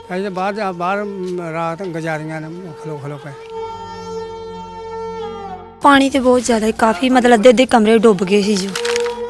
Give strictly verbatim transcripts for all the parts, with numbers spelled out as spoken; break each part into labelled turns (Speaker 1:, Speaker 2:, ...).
Speaker 1: ਅਸੀਂ ਤਾਂ ਬਾਹਰ ਜਾ- ਬਾਹਰ ਰਾਤ ਗੁਜ਼ਾਰੀਆਂ ਨੇ ਖਲੋ ਖਲੋ ਕੇ।
Speaker 2: ਪਾਣੀ ਤੇ ਬਹੁਤ ਜ਼ਿਆਦਾ ਕਾਫੀ ਮਤਲਬ ਅੱਧੇ ਅੱਧੇ ਕਮਰੇ ਡੁੱਬ ਗਏ ਸੀ ਜੋ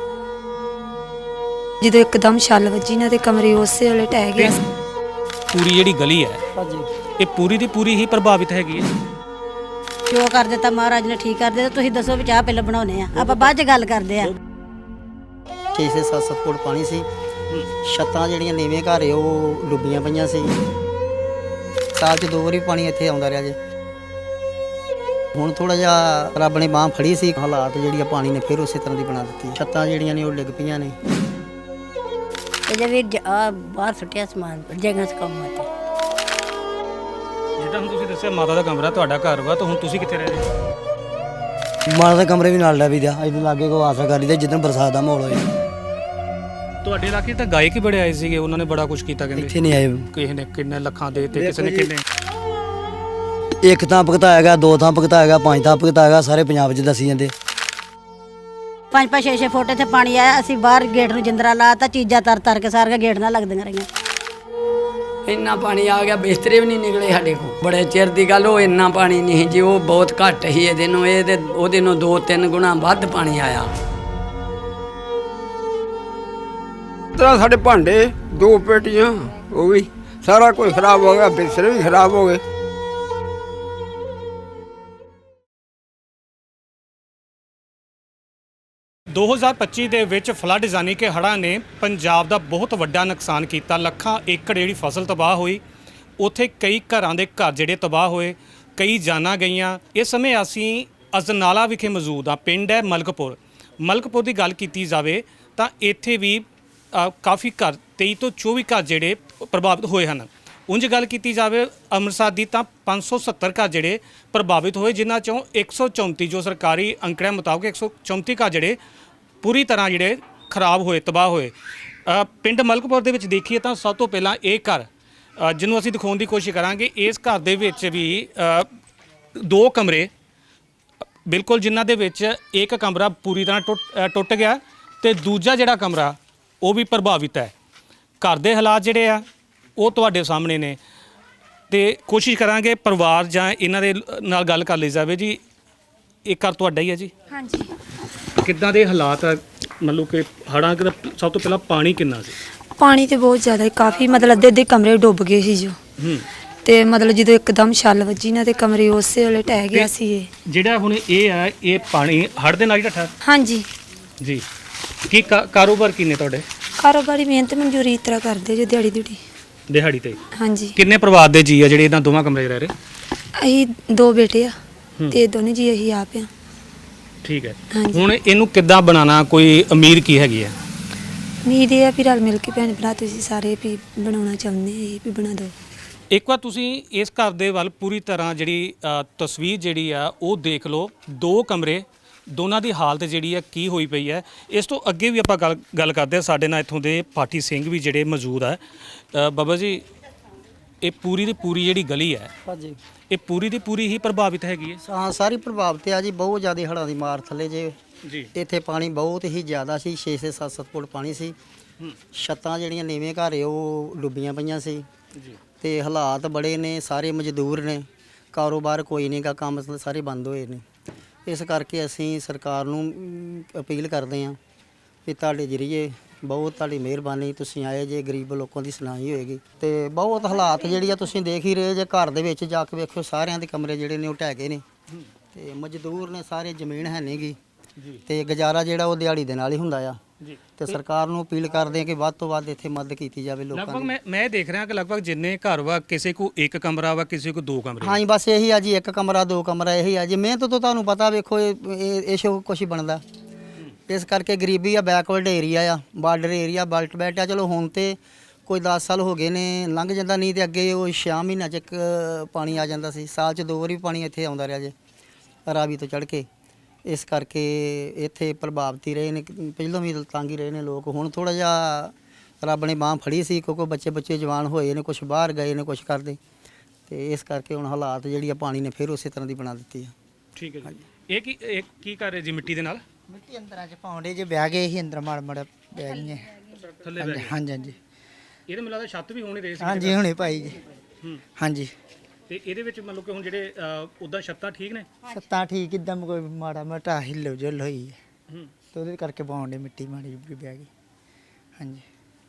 Speaker 2: ਜਦੋਂ ਇੱਕਦਮ ਛੱਲ ਵੱਜੀ ਨਾ ਤੇ ਕਮਰੇ ਉਸੇ ਵੇਲੇ ਟਹਿ ਗਿਆ।
Speaker 3: ਪੂਰੀ ਜਿਹੜੀ ਗਲੀ ਹੈ
Speaker 4: ਹਾਂਜੀ
Speaker 3: ਇਹ ਪੂਰੀ ਦੀ ਪੂਰੀ ਹੀ ਪ੍ਰਭਾਵਿਤ ਹੈਗੀ ਹੈ।
Speaker 5: ਜੋ ਕਰ ਦਿੱਤਾ ਮਹਾਰਾਜ ਨੇ ਠੀਕ ਕਰ ਦਿੱਤਾ। ਤੁਸੀਂ ਦੱਸੋ ਵੀ ਚਾਹ ਪਹਿਲਾਂ ਬਣਾਉਨੇ ਆ, ਆਪਾਂ ਬਾਅਦ ਚ ਗੱਲ ਕਰਦੇ ਆ।
Speaker 4: ਛੇ ਛੇ ਸੱਤ ਸੱਤ ਫੁੱਟ ਪਾਣੀ ਸੀ। ਛੱਤਾਂ ਜਿਹੜੀਆਂ ਨੀਵੇਂ ਘਰ ਏ ਉਹ ਡੁੱਬੀਆਂ ਪਈਆਂ ਸੀ। ਸਾਲ 'ਚ ਦੋ ਵਾਰੀ ਪਾਣੀ ਇੱਥੇ ਆਉਂਦਾ ਰਿਹਾ ਜੇ। ਹੁਣ ਥੋੜਾ ਜਿਹਾ ਰੱਬ ਨੇ ਬਾਂਹ ਫੜੀ ਸੀ, ਹਾਲਾਤ ਜਿਹੜੀ ਆ ਪਾਣੀ ਨੇ ਫਿਰ ਉਸੇ ਤਰ੍ਹਾਂ ਦੀ ਬਣਾ ਦਿੱਤੀ। ਛੱਤਾਂ ਜਿਹੜੀਆਂ ਨੇ ਉਹ ਡਿੱਗ ਪਈਆਂ ਨੇ।
Speaker 5: ਇਹਦੇ ਵੀ ਆ ਬਾਹਰ ਸੁੱਟਿਆ ਸਮਾਨ ਜਗ੍ਹਾ ਕੰਮ ਤੇ।
Speaker 3: ਜਿੱਦਾਂ ਹੁਣ ਤੁਸੀਂ ਦੱਸਿਆ ਮਾਤਾ ਦਾ ਕਮਰਾ ਤੁਹਾਡਾ ਘਰ ਵਾ, ਤਾਂ ਹੁਣ ਤੁਸੀਂ ਕਿੱਥੇ ਰਹਿ ਰਹੇ ਹੋ?
Speaker 4: ਮਾਤਾ ਦੇ ਕਮਰੇ ਵੀ ਨਾਲ ਲੈ ਵੀ ਦਿਆ ਇਹਦੇ ਲਾਗੇ ਕੋ ਆਸਰਾ ਕਰੀ ਦੇ ਜਿੱਦਣ ਬਰਸਾਤ ਦਾ ਮਾਹੌਲ ਹੋਏ।
Speaker 3: ਤੁਹਾਡੇ ਇਲਾਕੇ 'ਚ ਤਾਂ ਗਾਇਕ ਹੀ ਬੜੇ ਆਏ ਸੀਗੇ, ਉਹਨਾਂ ਨੇ ਬੜਾ ਕੁਝ ਕੀਤਾ ਕਹਿੰਦੇ।
Speaker 4: ਇੱਥੇ ਨਹੀਂ ਆਏ।
Speaker 3: ਕਿਸੇ ਨੇ ਕਿੰਨੇ ਲੱਖਾਂ ਦੇ ਤੇ ਕਿਸੇ ਨੇ ਕਿੰਨੇ।
Speaker 4: ਇੱਕ ਥਾਂ ਭੁਗਤਾਇਆਗਾ, ਦੋ ਥਾਂ ਭੁਗਤਾਇਆਗਾ, ਪੰਜ ਥਾਂ ਭੁਗਤਾਇਆਗਾ, ਸਾਰੇ ਪੰਜਾਬ 'ਚ ਦੱਸੀ ਜਾਂਦੇ।
Speaker 5: ਪੰਜ ਪੰਜ ਛੇ ਛੇ ਫੁੱਟ ਇੱਥੇ ਪਾਣੀ ਆਇਆ। ਅਸੀਂ ਬਾਹਰ ਗੇਟ ਨੂੰ ਜਿੰਦਰਾ ਲਾਤਾ, ਚੀਜ਼ਾਂ ਤਰ ਤਰ ਕੇ ਸਾਰੀਆਂ ਗੇਟ ਨਾਲ ਲੱਗਦੀਆਂ ਰਹੀਆਂ।
Speaker 6: ਇੰਨਾ ਪਾਣੀ ਆ ਗਿਆ, ਬਿਸਤਰੇ ਵੀ ਨਹੀਂ ਨਿਕਲੇ ਸਾਡੇ ਕੋਲ। ਬੜੇ ਚਿਰ ਦੀ ਗੱਲ, ਉਹ ਇੰਨਾ ਪਾਣੀ ਨਹੀਂ ਜੀ, ਉਹ ਬਹੁਤ ਘੱਟ ਹੀ ਇਹਦੇ ਨੂੰ, ਇਹਦੇ ਉਹਦੇ ਨੂੰ ਦੋ ਤਿੰਨ ਗੁਣਾ ਵੱਧ ਪਾਣੀ ਆਇਆ।
Speaker 1: ਤਰ੍ਹਾਂ ਸਾਡੇ ਭਾਂਡੇ ਦੋ ਪੇਟੀਆਂ ਉਹ ਵੀ ਸਾਰਾ ਕੁਝ ਖਰਾਬ ਹੋ ਗਿਆ, ਬਿਸਤਰੇ ਵੀ ਖਰਾਬ ਹੋ ਗਏ।
Speaker 3: ਦੋ ਹਜ਼ਾਰ ਪੱਚੀ ਦੇ ਵਿੱਚ ਫਲੱਡ ਯਾਨੀ ਕਿ ਹੜ੍ਹਾਂ ਨੇ ਪੰਜਾਬ ਦਾ ਬਹੁਤ ਵੱਡਾ ਨੁਕਸਾਨ ਕੀਤਾ। ਲੱਖਾਂ ਏਕੜ ਜਿਹੜੀ ਫਸਲ ਤਬਾਹ ਹੋਈ, ਉੱਥੇ ਕਈ ਘਰਾਂ ਦੇ ਘਰ ਜਿਹੜੇ ਤਬਾਹ ਹੋਏ, ਕਈ ਜਾਨਾਂ ਗਈਆਂ। ਇਸ ਸਮੇਂ ਅਸੀਂ ਅਜਨਾਲਾ ਵਿਖੇ ਮੌਜੂਦ ਹਾਂ। ਪਿੰਡ ਹੈ ਮਲਕਪੁਰ। ਮਲਕਪੁਰ ਦੀ ਗੱਲ ਕੀਤੀ ਜਾਵੇ ਤਾਂ ਇੱਥੇ ਵੀ ਅ, ਕਾਫੀ ਘਰ ਤੇਈ ਤੋਂ ਚੌਵੀ ਘਰ ਜਿਹੜੇ ਪ੍ਰਭਾਵਿਤ ਹੋਏ ਹਨ। ਉਂਝ ਗੱਲ ਕੀਤੀ ਜਾਵੇ ਅੰਮ੍ਰਿਤਸਰ ਦੀ ਤਾਂ ਪੰਜ ਸੌ ਸੱਤਰ ਘਰ ਜਿਹੜੇ ਪ੍ਰਭਾਵਿਤ ਹੋਏ, ਜਿਨ੍ਹਾਂ ਚੋਂ ਇੱਕ ਸੌ ਚੌਂਤੀ ਜੋ ਸਰਕਾਰੀ ਅੰਕੜਿਆਂ ਮੁਤਾਬਕ ਇੱਕ ਸੌ ਚੌਂਤੀ ਘਰ ਜਿਹੜੇ ਪੂਰੀ ਤਰ੍ਹਾਂ ਜਿਹੜੇ ਖਰਾਬ ਹੋਏ, ਤਬਾਹ ਹੋਏ। ਅ, ਪਿੰਡ ਮਲਕਪੁਰ ਦੇ ਵਿੱਚ ਦੇਖੀਏ ਤਾਂ ਸਭ ਤੋਂ ਪਹਿਲਾਂ ਇਹ ਘਰ ਅ, ਜਿਹਨੂੰ ਅਸੀਂ ਦਿਖਾਉਣ ਦੀ ਕੋਸ਼ਿਸ਼ ਕਰਾਂਗੇ। ਇਸ ਘਰ ਦੇ ਵਿੱਚ ਵੀ ਅ, ਦੋ ਕਮਰੇ ਬਿਲਕੁਲ, ਜਿਨ੍ਹਾਂ ਦੇ ਵਿੱਚ ਇੱਕ ਕਮਰਾ ਪੂਰੀ ਤਰ੍ਹਾਂ ਟੁੱਟ ਅ, ਟੁੱਟ ਗਿਆ ਤੇ ਦੂਜਾ ਜਿਹੜਾ ਕਮਰਾ ਉਹ ਵੀ ਪ੍ਰਭਾਵਿਤ ਹੈ। ਘਰ ਦੇ ਹਾਲਾਤ ਜਿਹੜੇ ਆ ਉਹ ਤੁਹਾਡੇ ਸਾਹਮਣੇ ਨੇ ਤੇ ਕੋਸ਼ਿਸ਼ ਕਰਾਂਗੇ ਪਰਿਵਾਰ ਜਾਂ ਇਹਨਾਂ ਦੇ ਨਾਲ ਗੱਲ ਕਰ ਲਈ ਜਾਵੇ। ਜੀ ਇਹ ਘਰ ਤੁਹਾਡਾ ਹੀ ਹੈ ਜੀ?
Speaker 2: ਹਾਂਜੀ।
Speaker 3: ਕਿੱਦਾਂ ਦੇ ਹਾਲਾਤ ਆ? ਮਤਲਬ ਕਿ ਹੜ੍ਹਾਂ ਦਾ ਸਭ ਤੋਂ ਪਹਿਲਾਂ ਪਾਣੀ ਕਿੰਨਾ ਸੀ?
Speaker 2: ਪਾਣੀ ਤੇ ਬਹੁਤ ਜ਼ਿਆਦਾ ਕਾਫੀ ਮਤਲਬ ਅੱਧੇ ਅੱਧੇ ਕਮਰੇ ਡੁੱਬ ਗਏ ਸੀ ਜੋ
Speaker 3: ਹੂੰ।
Speaker 2: ਤੇ ਮਤਲਬ ਜਦੋਂ ਇੱਕਦਮ ਛੱਲ ਵੱਜੀ ਨਾ ਤੇ ਕਮਰੇ ਉਸੇ ਵੇਲੇ ਟਹਿ ਗਿਆ ਸੀ ਇਹ।
Speaker 3: ਜਿਹੜਾ ਹੁਣ ਇਹ ਆ, ਇਹ ਪਾਣੀ ਹੜ੍ਹ ਦੇ ਨਾਲ ਹੀ ਢੱਠਾ
Speaker 2: ਹਾਂਜੀ।
Speaker 3: ਜੀ। ਕੀ ਕਾ- ਕਾਰੋਬਾਰ ਕੀ ਨੇ ਤੁਹਾਡੇ?
Speaker 2: ਕਾਰੋਬਾਰੀ ਮਿਹਨਤ ਮਨਜ਼ੂਰੀ ਇਸ ਤਰ੍ਹਾਂ ਕਰਦੇ ਜੋ ਦਿਹਾੜੀ ਦਿਹੜੀ।
Speaker 3: ਦਿਹਾੜੀ ਤੇ?
Speaker 2: ਹਾਂਜੀ।
Speaker 3: ਕਿੰਨੇ ਪਰਿਵਾਰ ਦੇ ਜੀ ਆ ਜਿਹੜੇ ਇਹਨਾਂ ਦੋਵਾਂ ਕਮਰੇ 'ਚ ਰਹਿ ਰਹੇ?
Speaker 2: ਅਸੀਂ ਦੋ ਬੇਟੇ ਆ
Speaker 3: ਹੂੰ।
Speaker 2: ਤੇ ਦੋਨੇ ਜੀ ਅਸੀਂ ਆਪ ਆ।
Speaker 3: ਠੀਕ ਹੈ।
Speaker 2: ਹਾਂਜੀ।
Speaker 3: ਹੁਣ ਇਹਨੂੰ ਕਿੱਦਾਂ ਬਣਾਉਣਾ, ਕੋਈ ਉਮੀਦ ਕੀ ਹੈਗੀ ਹੈ?
Speaker 2: ਉਮੀਦ ਇਹ ਆ ਵੀ ਰਲ ਮਿਲ ਕੇ ਭੈਣ ਭਰਾ ਤੁਸੀਂ ਸਾਰੇ ਵੀ ਬਣਾਉਣਾ ਚਾਹੁੰਦੇ ਇਹ ਵੀ ਬਣਾ ਦਿਓ।
Speaker 3: ਇੱਕ ਵਾਰ ਤੁਸੀਂ ਇਸ ਘਰ ਦੇ ਵੱਲ ਪੂਰੀ ਤਰ੍ਹਾਂ ਜਿਹੜੀ ਅ, ਤਸਵੀਰ ਜਿਹੜੀ ਆ ਉਹ ਦੇਖ ਲਓ। ਦੋ ਕਮਰੇ, ਦੋਨਾਂ ਦੀ ਹਾਲਤ ਜਿਹੜੀ ਆ ਕੀ ਹੋਈ ਪਈ ਹੈ। ਇਸ ਤੋਂ ਅੱਗੇ ਵੀ ਆਪਾਂ ਗੱਲ ਗੱਲ ਕਰਦੇ ਹਾਂ। ਸਾਡੇ ਨਾਲ ਇੱਥੋਂ ਦੇ ਪਾਠੀ ਸਿੰਘ ਵੀ ਜਿਹੜੇ ਮੌਜੂਦ ਆ। ਅ, ਬਾਬਾ ਜੀ, ਇਹ ਪੂਰੀ ਦੀ ਪੂਰੀ ਜਿਹੜੀ ਗਲੀ ਹੈ
Speaker 4: ਹਾਂਜੀ
Speaker 3: ਇਹ ਪੂਰੀ ਦੀ ਪੂਰੀ ਹੀ ਪ੍ਰਭਾਵਿਤ ਹੈਗੀ ਹੈ?
Speaker 4: ਹਾਂ, ਸਾਰੀ ਪ੍ਰਭਾਵਿਤ ਆ ਜੀ। ਬਹੁਤ ਜ਼ਿਆਦਾ ਹੜ੍ਹਾਂ ਦੀ ਮਾਰ ਥੱਲੇ ਜੇ।
Speaker 3: ਜੀ।
Speaker 4: ਇੱਥੇ ਪਾਣੀ ਬਹੁਤ ਹੀ ਜ਼ਿਆਦਾ ਸੀ। ਛੇ ਛੇ ਸੱਤ ਸੱਤ ਫੁੱਟ ਪਾਣੀ ਸੀ। ਛੱਤਾਂ ਜਿਹੜੀਆਂ ਨੀਵੇਂ ਘਰ ਏ ਉਹ ਡੁੱਬੀਆਂ ਪਈਆਂ ਸੀ।
Speaker 3: ਜੀ।
Speaker 4: ਤੇ ਹਾਲਾਤ ਬੜੇ ਨੇ, ਸਾਰੇ ਮਜ਼ਦੂਰ ਨੇ, ਕਾਰੋਬਾਰ ਕੋਈ ਨਹੀਂਗਾ, ਕੰਮ ਸਾਰੇ ਬੰਦ ਹੋਏ ਨੇ। ਇਸ ਕਰਕੇ ਅਸੀਂ ਸਰਕਾਰ ਨੂੰ ਅਮ, ਅਪੀਲ ਕਰਦੇ ਹਾਂ ਵੀ ਤੁਹਾਡੇ ਜ਼ਰੀਏ ਬਹੁਤ ਤੁਹਾਡੀ ਮਿਹਰਬਾਨੀ, ਤੁਸੀਂ ਆਏ ਜੇ, ਗਰੀਬ ਲੋਕਾਂ ਦੀ ਸੁਣਾਈ ਹੋਏਗੀ। ਤੇ ਬਹੁਤ ਹਾਲਾਤ ਜਿਹੜੀ ਆ ਤੁਸੀਂ ਦੇਖ ਹੀ ਰਹੇ ਜੇ। ਘਰ ਦੇ ਵਿੱਚ ਜਾ ਕੇ ਵੇਖੋ, ਸਾਰਿਆਂ ਦੇ ਕਮਰੇ ਜਿਹੜੇ ਨੇ ਉਹ ਢਹਿ ਗਏ ਨੇ ਤੇ ਮਜ਼ਦੂਰ ਨੇ ਸਾਰੇ, ਜ਼ਮੀਨ ਹੈ ਨਹੀਂਗੀ ਤੇ ਗੁਜ਼ਾਰਾ ਜਿਹੜਾ ਉਹ ਦਿਹਾੜੀ ਦੇ ਨਾਲ ਹੀ ਹੁੰਦਾ ਆ।
Speaker 3: ਜੀ।
Speaker 4: ਤੇ ਸਰਕਾਰ ਨੂੰ ਅਪੀਲ ਕਰਦੇ ਆ ਕਿ ਵੱਧ ਤੋਂ ਵੱਧ ਇੱਥੇ ਮਦਦ ਕੀਤੀ ਜਾਵੇ ਲੋਕਾਂ
Speaker 3: ਲਗਭਗ
Speaker 4: ਦੀ।
Speaker 3: ਮੈਂ ਮੈਂ ਦੇਖ ਰਿਹਾ ਕਿ ਲਗਭਗ ਜਿੰਨੇ ਘਰ ਵਾ, ਕਿਸੇ ਕੋ ਇੱਕ ਕਮਰਾ ਵਾ, ਕਿਸੇ ਕੋ ਦੋ ਕਮਰੇ।
Speaker 4: ਹਾਂ ਜੀ, ਬਸ ਇਹੀ ਆ ਜੀ, ਇੱਕ ਕਮਰਾ ਦੋ ਕਮਰਾ ਇਹੀ ਆ ਜੀ। ਮਿਹਨਤ ਤੋਂ ਤੁਹਾਨੂੰ ਪਤਾ, ਵੇਖੋ ਇਹ ਇਹ ਸ਼ੋ ਕੁਛ ਹੀ ਬਣਦਾ। ਇਸ ਕਰਕੇ ਗਰੀਬੀ ਆ, ਬੈਕਵਰਡ ਏਰੀਆ ਆ, ਬਾਰਡਰ ਏਰੀਆ, ਬਲਟ ਬੈਲਟ ਆ। ਚਲੋ ਹੁਣ ਤੇ ਕੋਈ ਦਸ ਸਾਲ ਹੋ ਗਏ ਨੇ, ਲੰਘ ਜਾਂਦਾ, ਨਹੀਂ ਤੇ ਅੱਗੇ ਉਹ ਛੇ ਮਹੀਨਿਆਂ 'ਚ ਇੱਕ ਪਾਣੀ ਆ ਜਾਂਦਾ ਸੀ। ਸਾਲ 'ਚ ਦੋ ਵਾਰੀ ਪਾਣੀ ਇੱਥੇ ਆਉਂਦਾ ਰਿਹਾ ਜੇ ਰਾਵੀ ਤੋਂ ਚੜ੍ਹ ਕੇ। ਇਸ ਕਰਕੇ ਇੱਥੇ ਪ੍ਰਭਾਵਿਤ ਹੀ ਰਹੇ ਨੇ, ਪਹਿਲਾਂ ਵੀ ਤੰਗ ਹੀ ਰਹੇ ਨੇ ਲੋਕ। ਹੁਣ ਥੋੜਾ ਜਿਹਾ ਰੱਬ ਨੇ ਬਾਂਹ ਫੜੀ ਸੀ, ਕਿਉਂਕਿ ਬੱਚੇ ਬੱਚੇ ਜਵਾਨ ਹੋਏ ਨੇ, ਕੁਛ ਬਾਹਰ ਗਏ ਨੇ, ਕੁਛ ਕਰਦੇ। ਤੇ ਇਸ ਕਰਕੇ ਹੁਣ ਹਾਲਾਤ ਜਿਹੜੀ ਆ ਪਾਣੀ ਨੇ ਫਿਰ ਉਸੇ ਤਰ੍ਹਾਂ ਦੀ ਬਣਾ ਦਿੱਤੀ ਆ।
Speaker 3: ਠੀਕ ਹੈ ਜੀ। ਇਹ ਕੀ ਇਹ ਕੀ ਕਰ ਰਹੇ ਜੀ ਮਿੱਟੀ ਦੇ ਨਾਲ?
Speaker 7: ਮਿੱਟੀ ਅੰਦਰਾਂ ਚ ਪਾਉਂਦੇ ਜੇ ਬਹਿ ਗਏ ਸੀ ਅੰਦਰ ਮੜ ਮੜ ਬਹਿ ਗਈਆਂ
Speaker 3: ਥੱਲੇ ਬਹਿ ਗਏ।
Speaker 7: ਹਾਂਜੀ ਹਾਂਜੀ
Speaker 3: ਇਹਦੇ ਮੈਨੂੰ ਲੱਗਦਾ ਛੱਤ ਵੀ ਹੋਣੀ ਰਹੀ ਸੀ
Speaker 4: ਹਾਂਜੀ ਹੁਣੇ ਪਾਈ ਜੀ।
Speaker 3: ਹੂੰ
Speaker 4: ਹਾਂਜੀ
Speaker 3: ਤੇ ਇਹਦੇ ਵਿੱਚ ਮਤਲਬ ਕਿ ਹੁਣ ਜਿਹੜੇ ਉਦਾਂ ਛੱਤਾਂ ਠੀਕ ਨੇ
Speaker 4: ਛੱਤਾਂ ਠੀਕ ਇਦਾਂ ਕੋਈ ਮਾੜਾ ਮੋਟਾ ਹਿੱਲੋ ਜੁਲ ਹੋਈ ਹੈ
Speaker 3: ਹੂੰ
Speaker 4: ਤੇ ਉਹਦੇ ਕਰਕੇ ਪਾਉਣ ਦੇ ਮਿੱਟੀ ਮਾੜੀ ਜਿਹੀ ਬਹਿ ਗਈ। ਹਾਂਜੀ